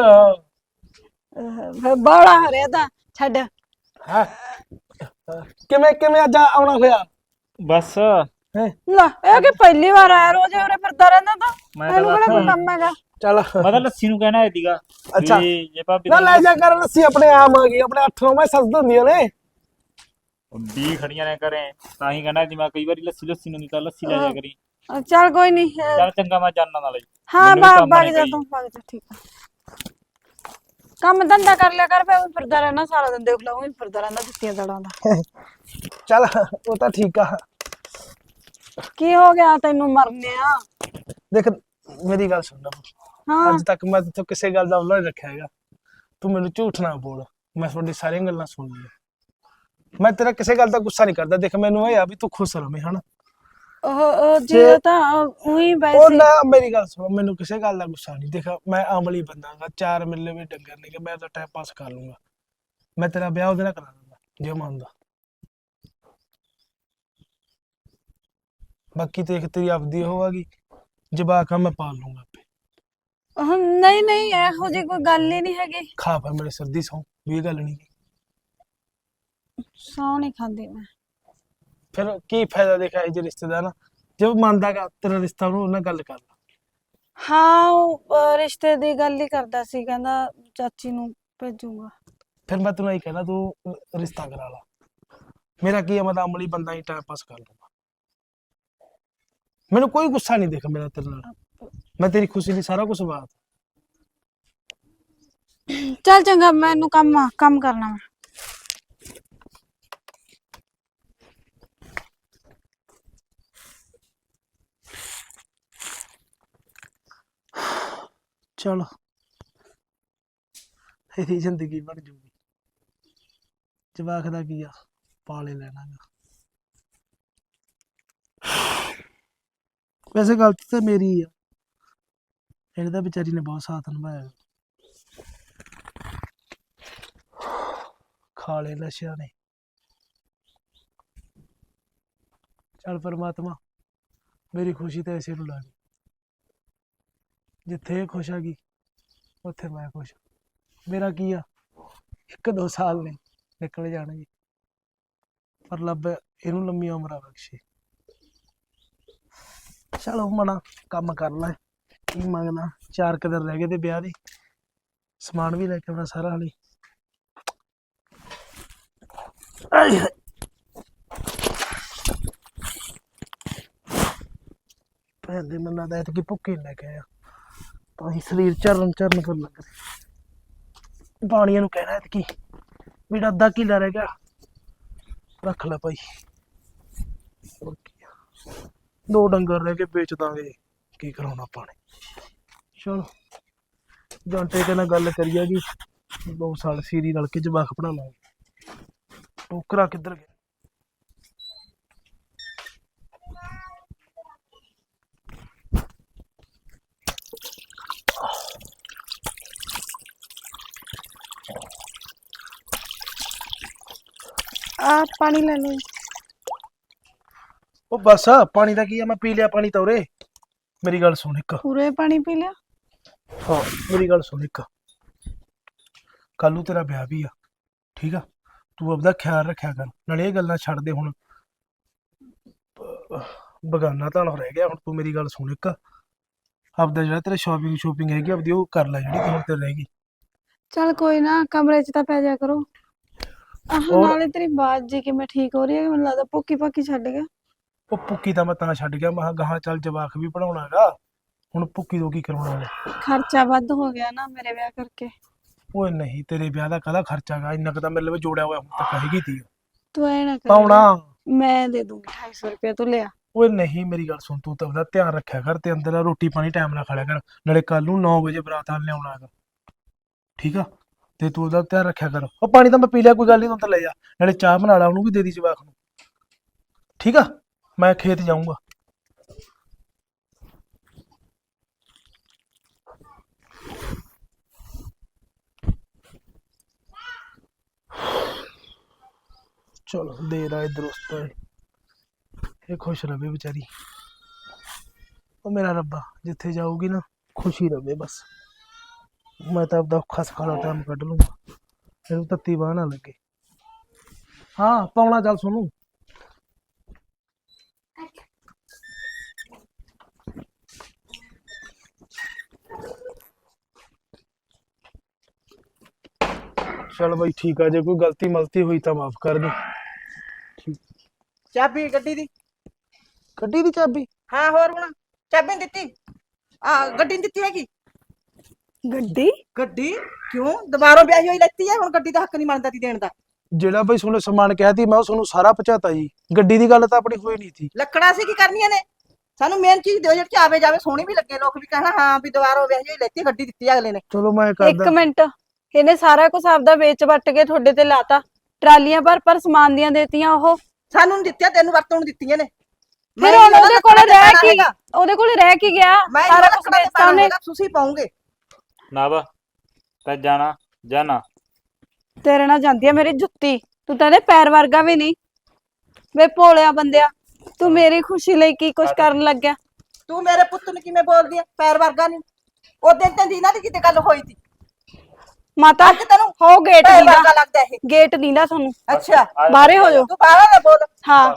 [SPEAKER 1] ਬੜਾ ਹਰਿਆ ਤਾਂ ਛੱਡ
[SPEAKER 3] ਹੈ ਕਿਵੇਂ ਅੱਜ ਆਉਣਾ ਹੋਇਆ
[SPEAKER 2] ਬਸ
[SPEAKER 3] ਹੈ
[SPEAKER 1] ਲੈ ਇਹ ਕਿ ਪਹਿਲੀ ਵਾਰ ਆਇਆ ਰੋਜ਼ ਉਰੇ ਫਿਰਦਾ ਰਹਿੰਦਾ ਤਾਂ
[SPEAKER 2] ਮੈਂ ਤਾਂ
[SPEAKER 1] ਇਹਨੂੰ ਕਿਹੜਾ ਕੋਈ ਕੰਮ ਹੈਗਾ
[SPEAKER 3] ਚੱਲ
[SPEAKER 2] ਮੈਂ ਤਾਂ ਲੱਸੀ ਨੂੰ ਕਹਿਣਾ ਸੀਗਾ
[SPEAKER 3] ਅੱਛਾ।
[SPEAKER 2] ਵੀ ਜੇ ਭਾਬੀ
[SPEAKER 3] ਨਾ ਲੈ ਜਾ ਕਰ ਲੱਸੀ ਆਪਣੇ ਆਮ ਆ ਗਈ ਆਪਣੇ 8 ਮੈਂ ਸੱਸ ਦਿੰਦੀਆਂ ਨੇ
[SPEAKER 2] ਵੀ ਖੜੀਆਂ ਨੇ ਕਰੇ ਤਾਂ ਹੀ ਕਹਿਣਾ ਜੀ ਮੈਂ ਕਈ ਵਾਰੀ ਲੱਸੀ ਨੂੰ ਨਹੀਂ ਤਾਂ ਲੱਸੀ ਲੈ ਜਾ ਕਰੀ
[SPEAKER 1] ਚੱਲ ਕੋਈ ਨਹੀਂ
[SPEAKER 2] ਚੱਲ ਚੰਗਾ ਮੈਂ ਜਾਣਾ ਨਾਲੇ
[SPEAKER 1] ਹਾਂ
[SPEAKER 2] ਮੈਨੂੰ ਵੀ ਕੰਮ
[SPEAKER 1] ਬਾਗ
[SPEAKER 2] ਨੇ
[SPEAKER 1] ਜਾ
[SPEAKER 2] ਕਈ।
[SPEAKER 1] ਤੂੰ ਬਾਗ ਜਾ ਠੀਕ ਆ ਕੰਮ ਧੰਦਾ ਕਰ ਲਿਆ ਕਰ ਫੇ ਫਿਰਦਾ ਰਹਿਣਾ ਸਾਰਾ ਦਿਨ ਦੇਖ ਲਾ ਉਹ ਫਿਰਦਾ ਰਹਿੰਦਾ ਜੁੱਤੀਆਂ ਦੜਾਂ ਦਾ
[SPEAKER 3] ਚੱਲ ਉਹ ਤਾਂ ਠੀਕ ਆ
[SPEAKER 1] ਕੀ ਹੋ ਗਿਆ ਤੈਨੂੰ ਮਰਨਿਆ
[SPEAKER 3] ਦੇਖ ਮੇਰੀ ਗੱਲ ਸੁਣ ਲੈ
[SPEAKER 1] ਹਾਂ
[SPEAKER 3] ਅੱਜ ਤੱਕ ਮੈਂ ਤੇਥੋਂ ਕਿਸੇ ਗੱਲ ਦਾ ਉਲਝ ਰੱਖਿਆ ਹੈਗਾ ਤੂੰ ਮੈਨੂੰ ਝੂਠ ਨਾ ਬੋਲ ਮੈਂ ਤੁਹਾਡੀ ਸਾਰੀਆਂ ਗੱਲਾਂ ਸੁਣ ਲਈਆਂ ਮੈਂ ਤੇਰਾ ਕਿਸੇ ਗੱਲ ਦਾ ਗੁੱਸਾ ਨਹੀਂ ਕਰਦਾ ਦੇਖ ਮੈਨੂੰ ਇਹ ਆ ਵੀ ਤੂੰ ਖੁਸ਼ ਰਵੇਂ ਹਨਾ
[SPEAKER 1] ਉਹ ਜੀ ਤਾਂ ਉਹੀ
[SPEAKER 3] ਉਹ
[SPEAKER 1] ਵੈਸੇ
[SPEAKER 3] ਨਾ ਮੇਰੀ ਗੱਲ ਸੁਣ ਮੈਨੂੰ ਕਿਸੇ ਗੱਲ ਦਾ ਗੁੱਸਾ ਨਹੀਂ ਦੇਖ ਮੈਂ ਅਮਲੀ ਬੰਦਾਗਾ 4 ਮਿਲੇ ਵੀ ਡੰਗਰ ਨਹੀਂ ਕਿ ਮੈਂ ਤਾਂ ਟਾਈਮ ਪਾਸ ਕਰ ਲੂੰਗਾ ਮੈਂ ਤੇਰਾ ਵਿਆਹ ਉਹਦੇ ਨਾਲ ਕਰਾ ਦੂੰਗਾ ਜੇ ਮੰਨਦਾ ਬਾਕੀ ਦੇਖ ਤੇਰੀ ਆਪਦੀ ਹੋਵੇਗੀ ਜਵਾਕ ਆ ਮੈਂ ਪਾਲ ਲੂੰਗਾ ਆਪੇ
[SPEAKER 1] ਨਹੀਂ ਇਹੋ ਜਿਹੀ ਕੋਈ ਗੱਲ ਹੀ ਨਹੀਂ ਹੈਗੀ
[SPEAKER 3] ਖਾ ਫਿਰ ਮੇਰੇ ਸਰਦੀ ਸੌ ਵੀ ਇਹ ਗੱਲ ਨਹੀਂ
[SPEAKER 1] ਸੌ ਨਹੀਂ ਖਾਂਦੀ ਮੈਂ
[SPEAKER 3] ਫਿਰ ਕੀ ਫਾਇਦਾ ਦੇਖਿਆ ਇਹ ਜੇ ਰਿਸ਼ਤੇਦਾਰ ਨਾ ਜੇ ਮੰਨਦਾਗਾ ਤੇਰਾ ਰਿਸ਼ਤਾ ਉਹਨੂੰ ਨਾਲ ਗੱਲ ਕਰ ਲਾ
[SPEAKER 1] ਹਾਂ ਉਹ ਰਿਸ਼ਤੇ ਦੀ ਗੱਲ ਹੀ ਕਰਦਾ ਸੀ ਕਹਿੰਦਾ ਚਾਚੀ ਨੂੰ ਭੇਜੂਗਾ
[SPEAKER 3] ਫਿਰ ਮੈਂ ਤੈਨੂੰ ਇਹ ਕਹਿਣਾ ਤੂੰ ਰਿਸ਼ਤਾ ਕਰਾ ਲਾ ਮੇਰਾ ਕੀ ਹੈ ਮੈਂ ਤਾਂ ਅਮਲੀ ਬੰਦਾ ਹੀ ਟਾਈਮ ਪਾਸ ਕਰ ਲੂੰਗਾ ਮੈਨੂੰ ਕੋਈ ਗੁੱਸਾ ਨਹੀਂ ਦੇਖ ਮੇਰਾ ਤੇਰੇ ਨਾਲ ਮੈਂ ਤੇਰੀ ਖੁਸ਼ੀ ਲਈ ਸਾਰਾ ਕੁਝ ਬਾਤ
[SPEAKER 1] ਚੱਲ ਚੰਗਾ ਮੈਨੂੰ ਕੰਮ ਕਰਨਾ ਮੈਂ
[SPEAKER 3] ਚਲ ਇਹਦੀ ਜ਼ਿੰਦਗੀ ਬਣ ਜੂਗੀ ਜਵਾਕ ਦਾ ਕੀ ਆ ਪਾਲੇ ਲੈਣਾਗਾ ਵੈਸੇ ਗਲਤੀ ਤਾਂ ਮੇਰੀ ਆ ਇਹਦਾ ਵਿਚਾਰੀ ਨੇ ਬਹੁਤ ਸਾਥ ਨਿਭਾਇਆ ਖਾ ਲਏ ਨਸ਼ਿਆਂ ਨੇ। ਚੱਲ ਪਰਮਾਤਮਾ ਮੇਰੀ ਖੁਸ਼ੀ ਤਾਂ ਇਸੇ ਨੂੰ ਲਾ ਗਈ, ਜਿੱਥੇ ਇਹ ਖੁਸ਼ ਹੈਗੀ ਉੱਥੇ ਮੈਂ ਖੁਸ਼। ਮੇਰਾ ਕੀ ਆ, 1-2 ਸਾਲ ਨੇ ਨਿਕਲ ਜਾਣਗੇ, ਪਰ ਰੱਬ ਇਹਨੂੰ ਲੰਮੀ ਉਮਰਾਂ ਬਖਸ਼ੇ। ਚਲੋ ਮਨਾ ਕੰਮ ਕਰ ਲੈ, ਕੀ ਮੰਗਣਾ। 4 ਕੁ ਦਿਨ ਰਹਿ ਗਏ ਤੇ ਵਿਆਹ ਦੇ, ਸਮਾਨ ਵੀ ਲੈ ਕੇ ਆਉਣਾ ਸਾਰਾ ਹਾਲੇ। ਆਏ ਹਾਏ। ਭੈਣ ਦੇ ਮਨਾਂ ਦਾ ਐਤਕੀ ਭੁੱਖੇ ਨੀ ਲੈ ਕੇ ਆਇਆ, ਤਾਂ ਹੀ ਸਰੀਰ ਚਰਨ ਚਰਨ ਕਰਨ ਲੱਗ ਰਿਹਾ। ਪਾਣੀਆਂ ਨੂੰ ਕਹਿਣਾ ਐਤਕੀ ਮੇਰਾ ਅੱਧਾ ਕਿੱਲਾ ਰਹਿ ਗਿਆ, ਰੱਖ ਲੈ ਭਾਈ। ਹੋਰ ਕੀ ਆ, 2 ਡੰਗਰ ਰਹਿ ਕੇ ਵੇਚ ਦਾਂਗੇ, ਕੀ ਕਰਾਉਣਾ ਆਪਾਂ ਨੇ। ਚਲੋ ਜਾਂਟੇ ਕੇ ਨਾਲ ਗੱਲ ਕਰੀਏ ਜੀ, 2 ਸਾਲ ਸੀਰੀ ਰਲ ਕੇ ਜਵਾਕ ਪੜਾ ਲਾਂਗੇ। ਟੋਕਰਾ ਕਿੱਧਰ ਗਿਆ?
[SPEAKER 1] ਆ ਪਾਣੀ ਲੈ ਲਓ।
[SPEAKER 3] ਉਹ ਬਸ ਪਾਣੀ ਦਾ ਕੀ ਆ, ਮੈਂ ਪੀ ਲਿਆ ਪਾਣੀ ਤਾਂ ਉਰੇ। ਮੇਰੀ ਗੱਲ ਸੁਣ ਇੱਕ।
[SPEAKER 1] ਪੂਰੇ ਪਾਣੀ ਪੀ ਲਿਆ?
[SPEAKER 3] ਹਾਂ ਮੇਰੀ ਗੱਲ ਸੁਣ ਇੱਕ, ਕੱਲ ਨੂੰ ਤੇਰਾ ਵਿਆਹ ਵੀ ਆ, ਠੀਕ ਆ? ਤੂੰ ਆਪਦਾ ਖਿਆਲ ਰੱਖਿਆ ਕਰ, ਨਾਲੇ ਇਹ ਗੱਲਾਂ ਛੱਡ ਦੇ ਹੁਣ। ਬਗਾਨਾ ਤਾਂ ਰਹਿ ਗਿਆ ਹੁਣ। ਤੂੰ ਮੇਰੀ ਗੱਲ ਸੁਣ ਇੱਕ, ਆਪਦਾ ਜਿਹੜਾ ਤੇਰਾ ਸ਼ੋਪਿੰਗ ਹੈਗੀ ਆਪਦੀ ਉਹ ਕਰ ਲੈ, ਜਿਹੜੀ ਹੁਣ ਤੇ ਰਹਿ ਗਈ।
[SPEAKER 1] ਚੱਲ ਕੋਈ ਨਾ, ਕਮਰੇ 'ਚ ਤਾਂ ਪੈ ਜਾ ਕਰੋ।
[SPEAKER 3] ਹੋਰ?
[SPEAKER 1] ਨਾਲੇ ਤੇਰੀ ਬਾਤ ਜੀ ਕਿਵੇਂ ਠੀਕ ਹੋ ਰਹੀ ਹੈ? ਮੈਨੂੰ ਲੱਗਦਾ ਭੁੱਕੀ ਭਾਕੀ ਛੱਡ ਗਿਆ।
[SPEAKER 3] ਉਹ ਭੁੱਕੀ ਤਾਂ ਮੈਂ ਤਾਂ ਛੱਡ ਗਿਆ, ਮੈਂ ਕਿਹਾ ਗਾਹਾਂ ਚੱਲ ਜਵਾਕ ਵੀ ਪੜਾਉਣਾ ਹੈਗਾ, ਹੁਣ ਭੁੱਕੀ ਤੋਂ ਕੀ ਕਰਾਉਣਾ ਹੈ।
[SPEAKER 1] ਖਰਚਾ ਵੱਧ ਹੋ ਗਿਆ ਨਾ ਮੇਰੇ ਵਿਆਹ ਕਰਕੇ।
[SPEAKER 3] ਓਏ ਨਹੀਂ, ਤੇਰੇ ਵਿਆਹ ਦਾ ਕਾਹਦਾ ਖਰਚਾ ਗਾ, ਇੰਨਾ ਕੁ ਤਾਂ ਮੇਰੇ ਲਈ ਜੋੜਿਆ ਹੋਇਆ ਹੁਣ ਤੱਕ ਹੈਗੀ ਤੀ।
[SPEAKER 1] ਤੂੰ ਐ ਨਾ ਕਰ,
[SPEAKER 3] ਪਾਉਣਾ।
[SPEAKER 1] ਮੈਂ ਦੇ ਦੂੰਗੀ 250 ਰੁਪਏ, ਤੂੰ ਲਿਆ।
[SPEAKER 3] ਓਏ ਨਹੀਂ, ਮੇਰੀ ਗੱਲ ਸੁਣ, ਤੂੰ ਤਾਂ ਉਹਦਾ ਧਿਆਨ ਰੱਖਿਆ ਕਰ ਤੇ ਅੰਦਰ ਰੋਟੀ ਪਾਣੀ ਟਾਈਮ ਨਾਲ ਖਾ ਲਿਆ ਕਰ, ਨਾਲੇ ਕੱਲ ਨੂੰ 9 ਵਜੇ ਬਰਾਤ ਆਣ ਲਿਆਉਣਾ ਹੈਗਾ, ਠੀਕ ਆ? ਤੇ ਤੂੰ ਉਹਦਾ ਧਿਆਨ ਰੱਖਿਆ ਕਰ। ਉਹ ਪਾਣੀ ਤਾਂ ਮੈਂ ਪੀ ਲਿਆ, ਕੋਈ ਗੱਲ ਨਹੀਂ, ਤੂੰ ਤਾਂ ਲੈ ਜਾ, ਨਾਲੇ ਚਾਹ ਬਣਾ ਲਾ, ਉਹਨੂੰ ਵੀ ਦੇ ਦੀ ਜਵਾਕ ਨੂੰ, ਠੀਕ ਆ? ਮੈਂ ਖੇਤ ਜਾਊਂਗਾ। ਚਲੋ ਦੇਰ ਆਏ ਦਰੁਸਤ ਆਏ, ਇਹ ਖੁਸ਼ ਰਵੇ ਵਿਚਾਰੀ। ਉਹ ਮੇਰਾ ਰੱਬਾ ਜਿੱਥੇ ਜਾਊਗੀ ਨਾ ਖੁਸ਼ੀ ਰਵੇ ਬਸ। ਮੈਂ ਤਾਂ ਆਪਦਾ ਔਖਾ ਸਖਾਲਾ ਟਾਈਮ ਕੱਢ ਲੂੰਗਾ, ਇਹਨੂੰ ਤੱਤੀ ਬਾਹ ਨਾ ਲੱਗੇ। ਹਾਂ ਪਾਉਣਾ, ਚੱਲ ਸੁਣੂ। चल भाई ठीक है, जो कोई गलती मलती हुई तो माफ कर दी।
[SPEAKER 4] ਚਾਬੀ ਗੱਡੀ ਦੀ।
[SPEAKER 3] गड्डी दी चाबी?
[SPEAKER 4] ਹਾਂ ਹੋਰ ਹੁਣ ਚਾਬੀ ਨੀ ਦਿੱਤੀ? ਗੱਡੀ ਨੀ ਦਿੱਤੀ ਹੈਗੀ।
[SPEAKER 1] ਗੱਡੀ?
[SPEAKER 4] ਗੱਡੀ ਕਿਉਂ? ਦੁਬਾਰਾ ਵਿਆਹੀ ਹੋਈ ਲੈਤੀ ਹੈ, ਹੁਣ ਗੱਡੀ ਦਾ ਹੱਕ ਨਹੀਂ ਮੰਨਦਾ ਤੀ ਦੇਣ ਦਾ।
[SPEAKER 3] ਜਿਹੜਾ ਬਈ ਤੁਹਾਨੂੰ ਸਮਾਨ ਕਹਿਤੀ ਮੈਂ ਉਹ ਤੁਹਾਨੂੰ ਸਾਰਾ ਪਹੁੰਚਾਤਾ ਜੀ, ਗੱਡੀ ਦੀ ਗੱਲ ਤਾਂ ਆਪਣੀ ਹੋਈ ਨਹੀਂ ਸੀ।
[SPEAKER 4] ਲੱਕੜਾਂ ਸੀ ਕੀ ਕਰਨੀਆਂ ਨੇ? ਸਾਨੂੰ ਮੇਨ ਚੀਜ਼ ਦਿਓ ਜਿਹੜੀ ਆਵੇ ਜਾਵੇ, ਸੋਹਣੀ ਵੀ ਲੱਗੇ, ਲੋਕ ਵੀ ਕਹਿਣਾ ਹਾਂ ਵੀ ਦੁਬਾਰਾ ਵਿਆਹੀ ਹੋਈ ਲੈਤੀ, ਗੱਡੀ ਦਿੱਤੀ ਅਗਲੇ ਨੇ।
[SPEAKER 3] ਚਲੋ ਮੈਂ
[SPEAKER 1] ਇੱਕ
[SPEAKER 3] ਕਰਦਾ।
[SPEAKER 1] ਮਿੰਟ, ਇਹਨੇ ਸਾਰਾ ਕੁਝ ਆਪਦਾ ਵੇਚ ਵੱਟ ਕੇ ਤੁਹਾਡੇ ਤੇ ਲਾਤਾ, ਟਰਾਲੀਆਂ ਪਰ ਸਮਾਨ ਦੀਆਂ ਦੇਤੀਆਂ ਉਹ।
[SPEAKER 4] ਸਾਨੂੰ ਨੀ ਦਿੱਤੀਆਂ, ਤੈਨੂੰ ਵਰਤੋਂ ਨੂੰ ਦਿੱਤੀਆਂ ਨੇ।
[SPEAKER 1] ਫਿਰ ਹੁਣ ਉਹਦੇ ਕੋਲੇ ਰਹਿ ਕੀ, ਉਹਦੇ ਕੋਲੇ ਰਹਿ ਕੀ ਗਿਆ?
[SPEAKER 4] ਮੈਂ
[SPEAKER 1] ਸਾਰਾ ਕੁਝ ਵੇਚਤਾ ਉਹਨੇ।
[SPEAKER 4] ਤੁਸੀਂ ਪਾਉਂਗੇ
[SPEAKER 2] ਨਾ ਵਾ ਤਾਂ ਜਾਣਾ
[SPEAKER 1] ਤੇਰੇ ਨਾਲ ਜਾਂਦੀ ਆ ਮੇਰੀ ਜੁੱਤੀ, ਤੂੰ ਤਾਂ ਇਹਦੇ ਪੈਰ ਵਰਗਾ ਵੀ ਨਹੀਂ। ਵੇ ਭੋਲਿਆ ਬੰਦਿਆ, ਤੂੰ ਮੇਰੀ ਖੁਸ਼ੀ ਲਈ ਕੀ ਕੁਛ ਕਰਨ ਲੱਗਿਆ?
[SPEAKER 4] ਤੂੰ ਮੇਰੇ ਪੁੱਤ ਨੂੰ ਕਿਵੇਂ ਬੋਲਦੀ ਐ? ਪੈਰ ਵਰਗਾ ਨਹੀਂ। ਉਹ ਦਿਨ ਤੇ ਦੀਨਾ ਦੀ ਕਿਤੇ ਗੱਲ ਹੋਈ ਸੀ।
[SPEAKER 1] ਮਾਤਾ
[SPEAKER 4] ਅੱਜ ਤੈਨੂੰ
[SPEAKER 1] ਹੋ ਗੇਟ
[SPEAKER 4] ਪੈਰ
[SPEAKER 1] ਦੀਦਾ,
[SPEAKER 4] ਵਰਗਾ ਲੱਗਦਾ ਇਹ।
[SPEAKER 1] ਗੇਟ ਦੀਦਾ ਤੁਹਾਨੂੰ।
[SPEAKER 4] ਅੱਛਾ
[SPEAKER 1] ਬਾਹਰੇ ਹੋ ਜਾਓ।
[SPEAKER 4] ਤੂੰ ਬਾਹਰ ਨਾ ਬੋਲ।
[SPEAKER 1] ਹਾਂ,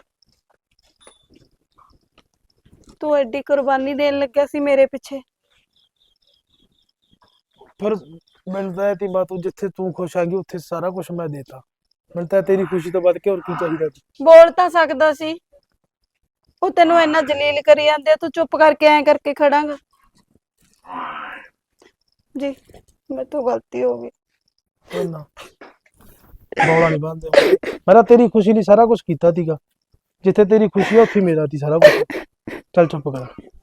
[SPEAKER 1] ਤੂੰ ਐਡੀ ਕੁਰਬਾਨੀ ਦੇਣ ਲੱਗਿਆ ਸੀ ਮੇਰੇ ਪਿੱਛੇ।
[SPEAKER 3] ਫਿਰ ਮਿਲਦਾ ਤੀ ਬਾ, ਤੂੰ ਜਿੱਥੇ ਤੂੰ ਖੁਸ਼ ਆਗੀ ਉੱਥੇ ਸਾਰਾ ਕੁਝ ਮੈਂ ਦੇਤਾ। ਮਿਲਦਾ ਤੇਰੀ ਖੁਸ਼ੀ ਤੋਂ ਵੱਧ ਕੇ ਹੋਰ ਕੀ ਚਾਹੀਦਾ ਸੀ?
[SPEAKER 1] ਬੋਲ ਤਾਂ ਸਕਦਾ ਸੀ। ਉਹ ਤੈਨੂੰ ਇੰਨਾ ਜਲੀਲ ਕਰੀ ਜਾਂਦੇ ਆ, ਤੂੰ ਚੁੱਪ ਕਰਕੇ ਐਂ ਕਰਕੇ ਖੜਾਂਗਾ। ਜੀ ਮੇਰੇ ਤੋਂ ਗਲਤੀ ਹੋ ਗਈ।
[SPEAKER 3] ਨਾ ਬੌਲਾ ਨਹੀਂ ਬੰਦੇ, ਮੈਂ ਤੇਰੀ ਖੁਸ਼ੀ ਲਈ ਸਾਰਾ ਕੁਝ ਕੀਤਾ ਸੀਗਾ, ਜਿੱਥੇ ਤੇਰੀ ਖੁਸ਼ੀ ਆ ਉੱਥੇ ਮੇਰਾ ਸੀ ਸਾਰਾ ਕੁਝ। ਚੱਲ ਚੁੱਪ ਕਰ।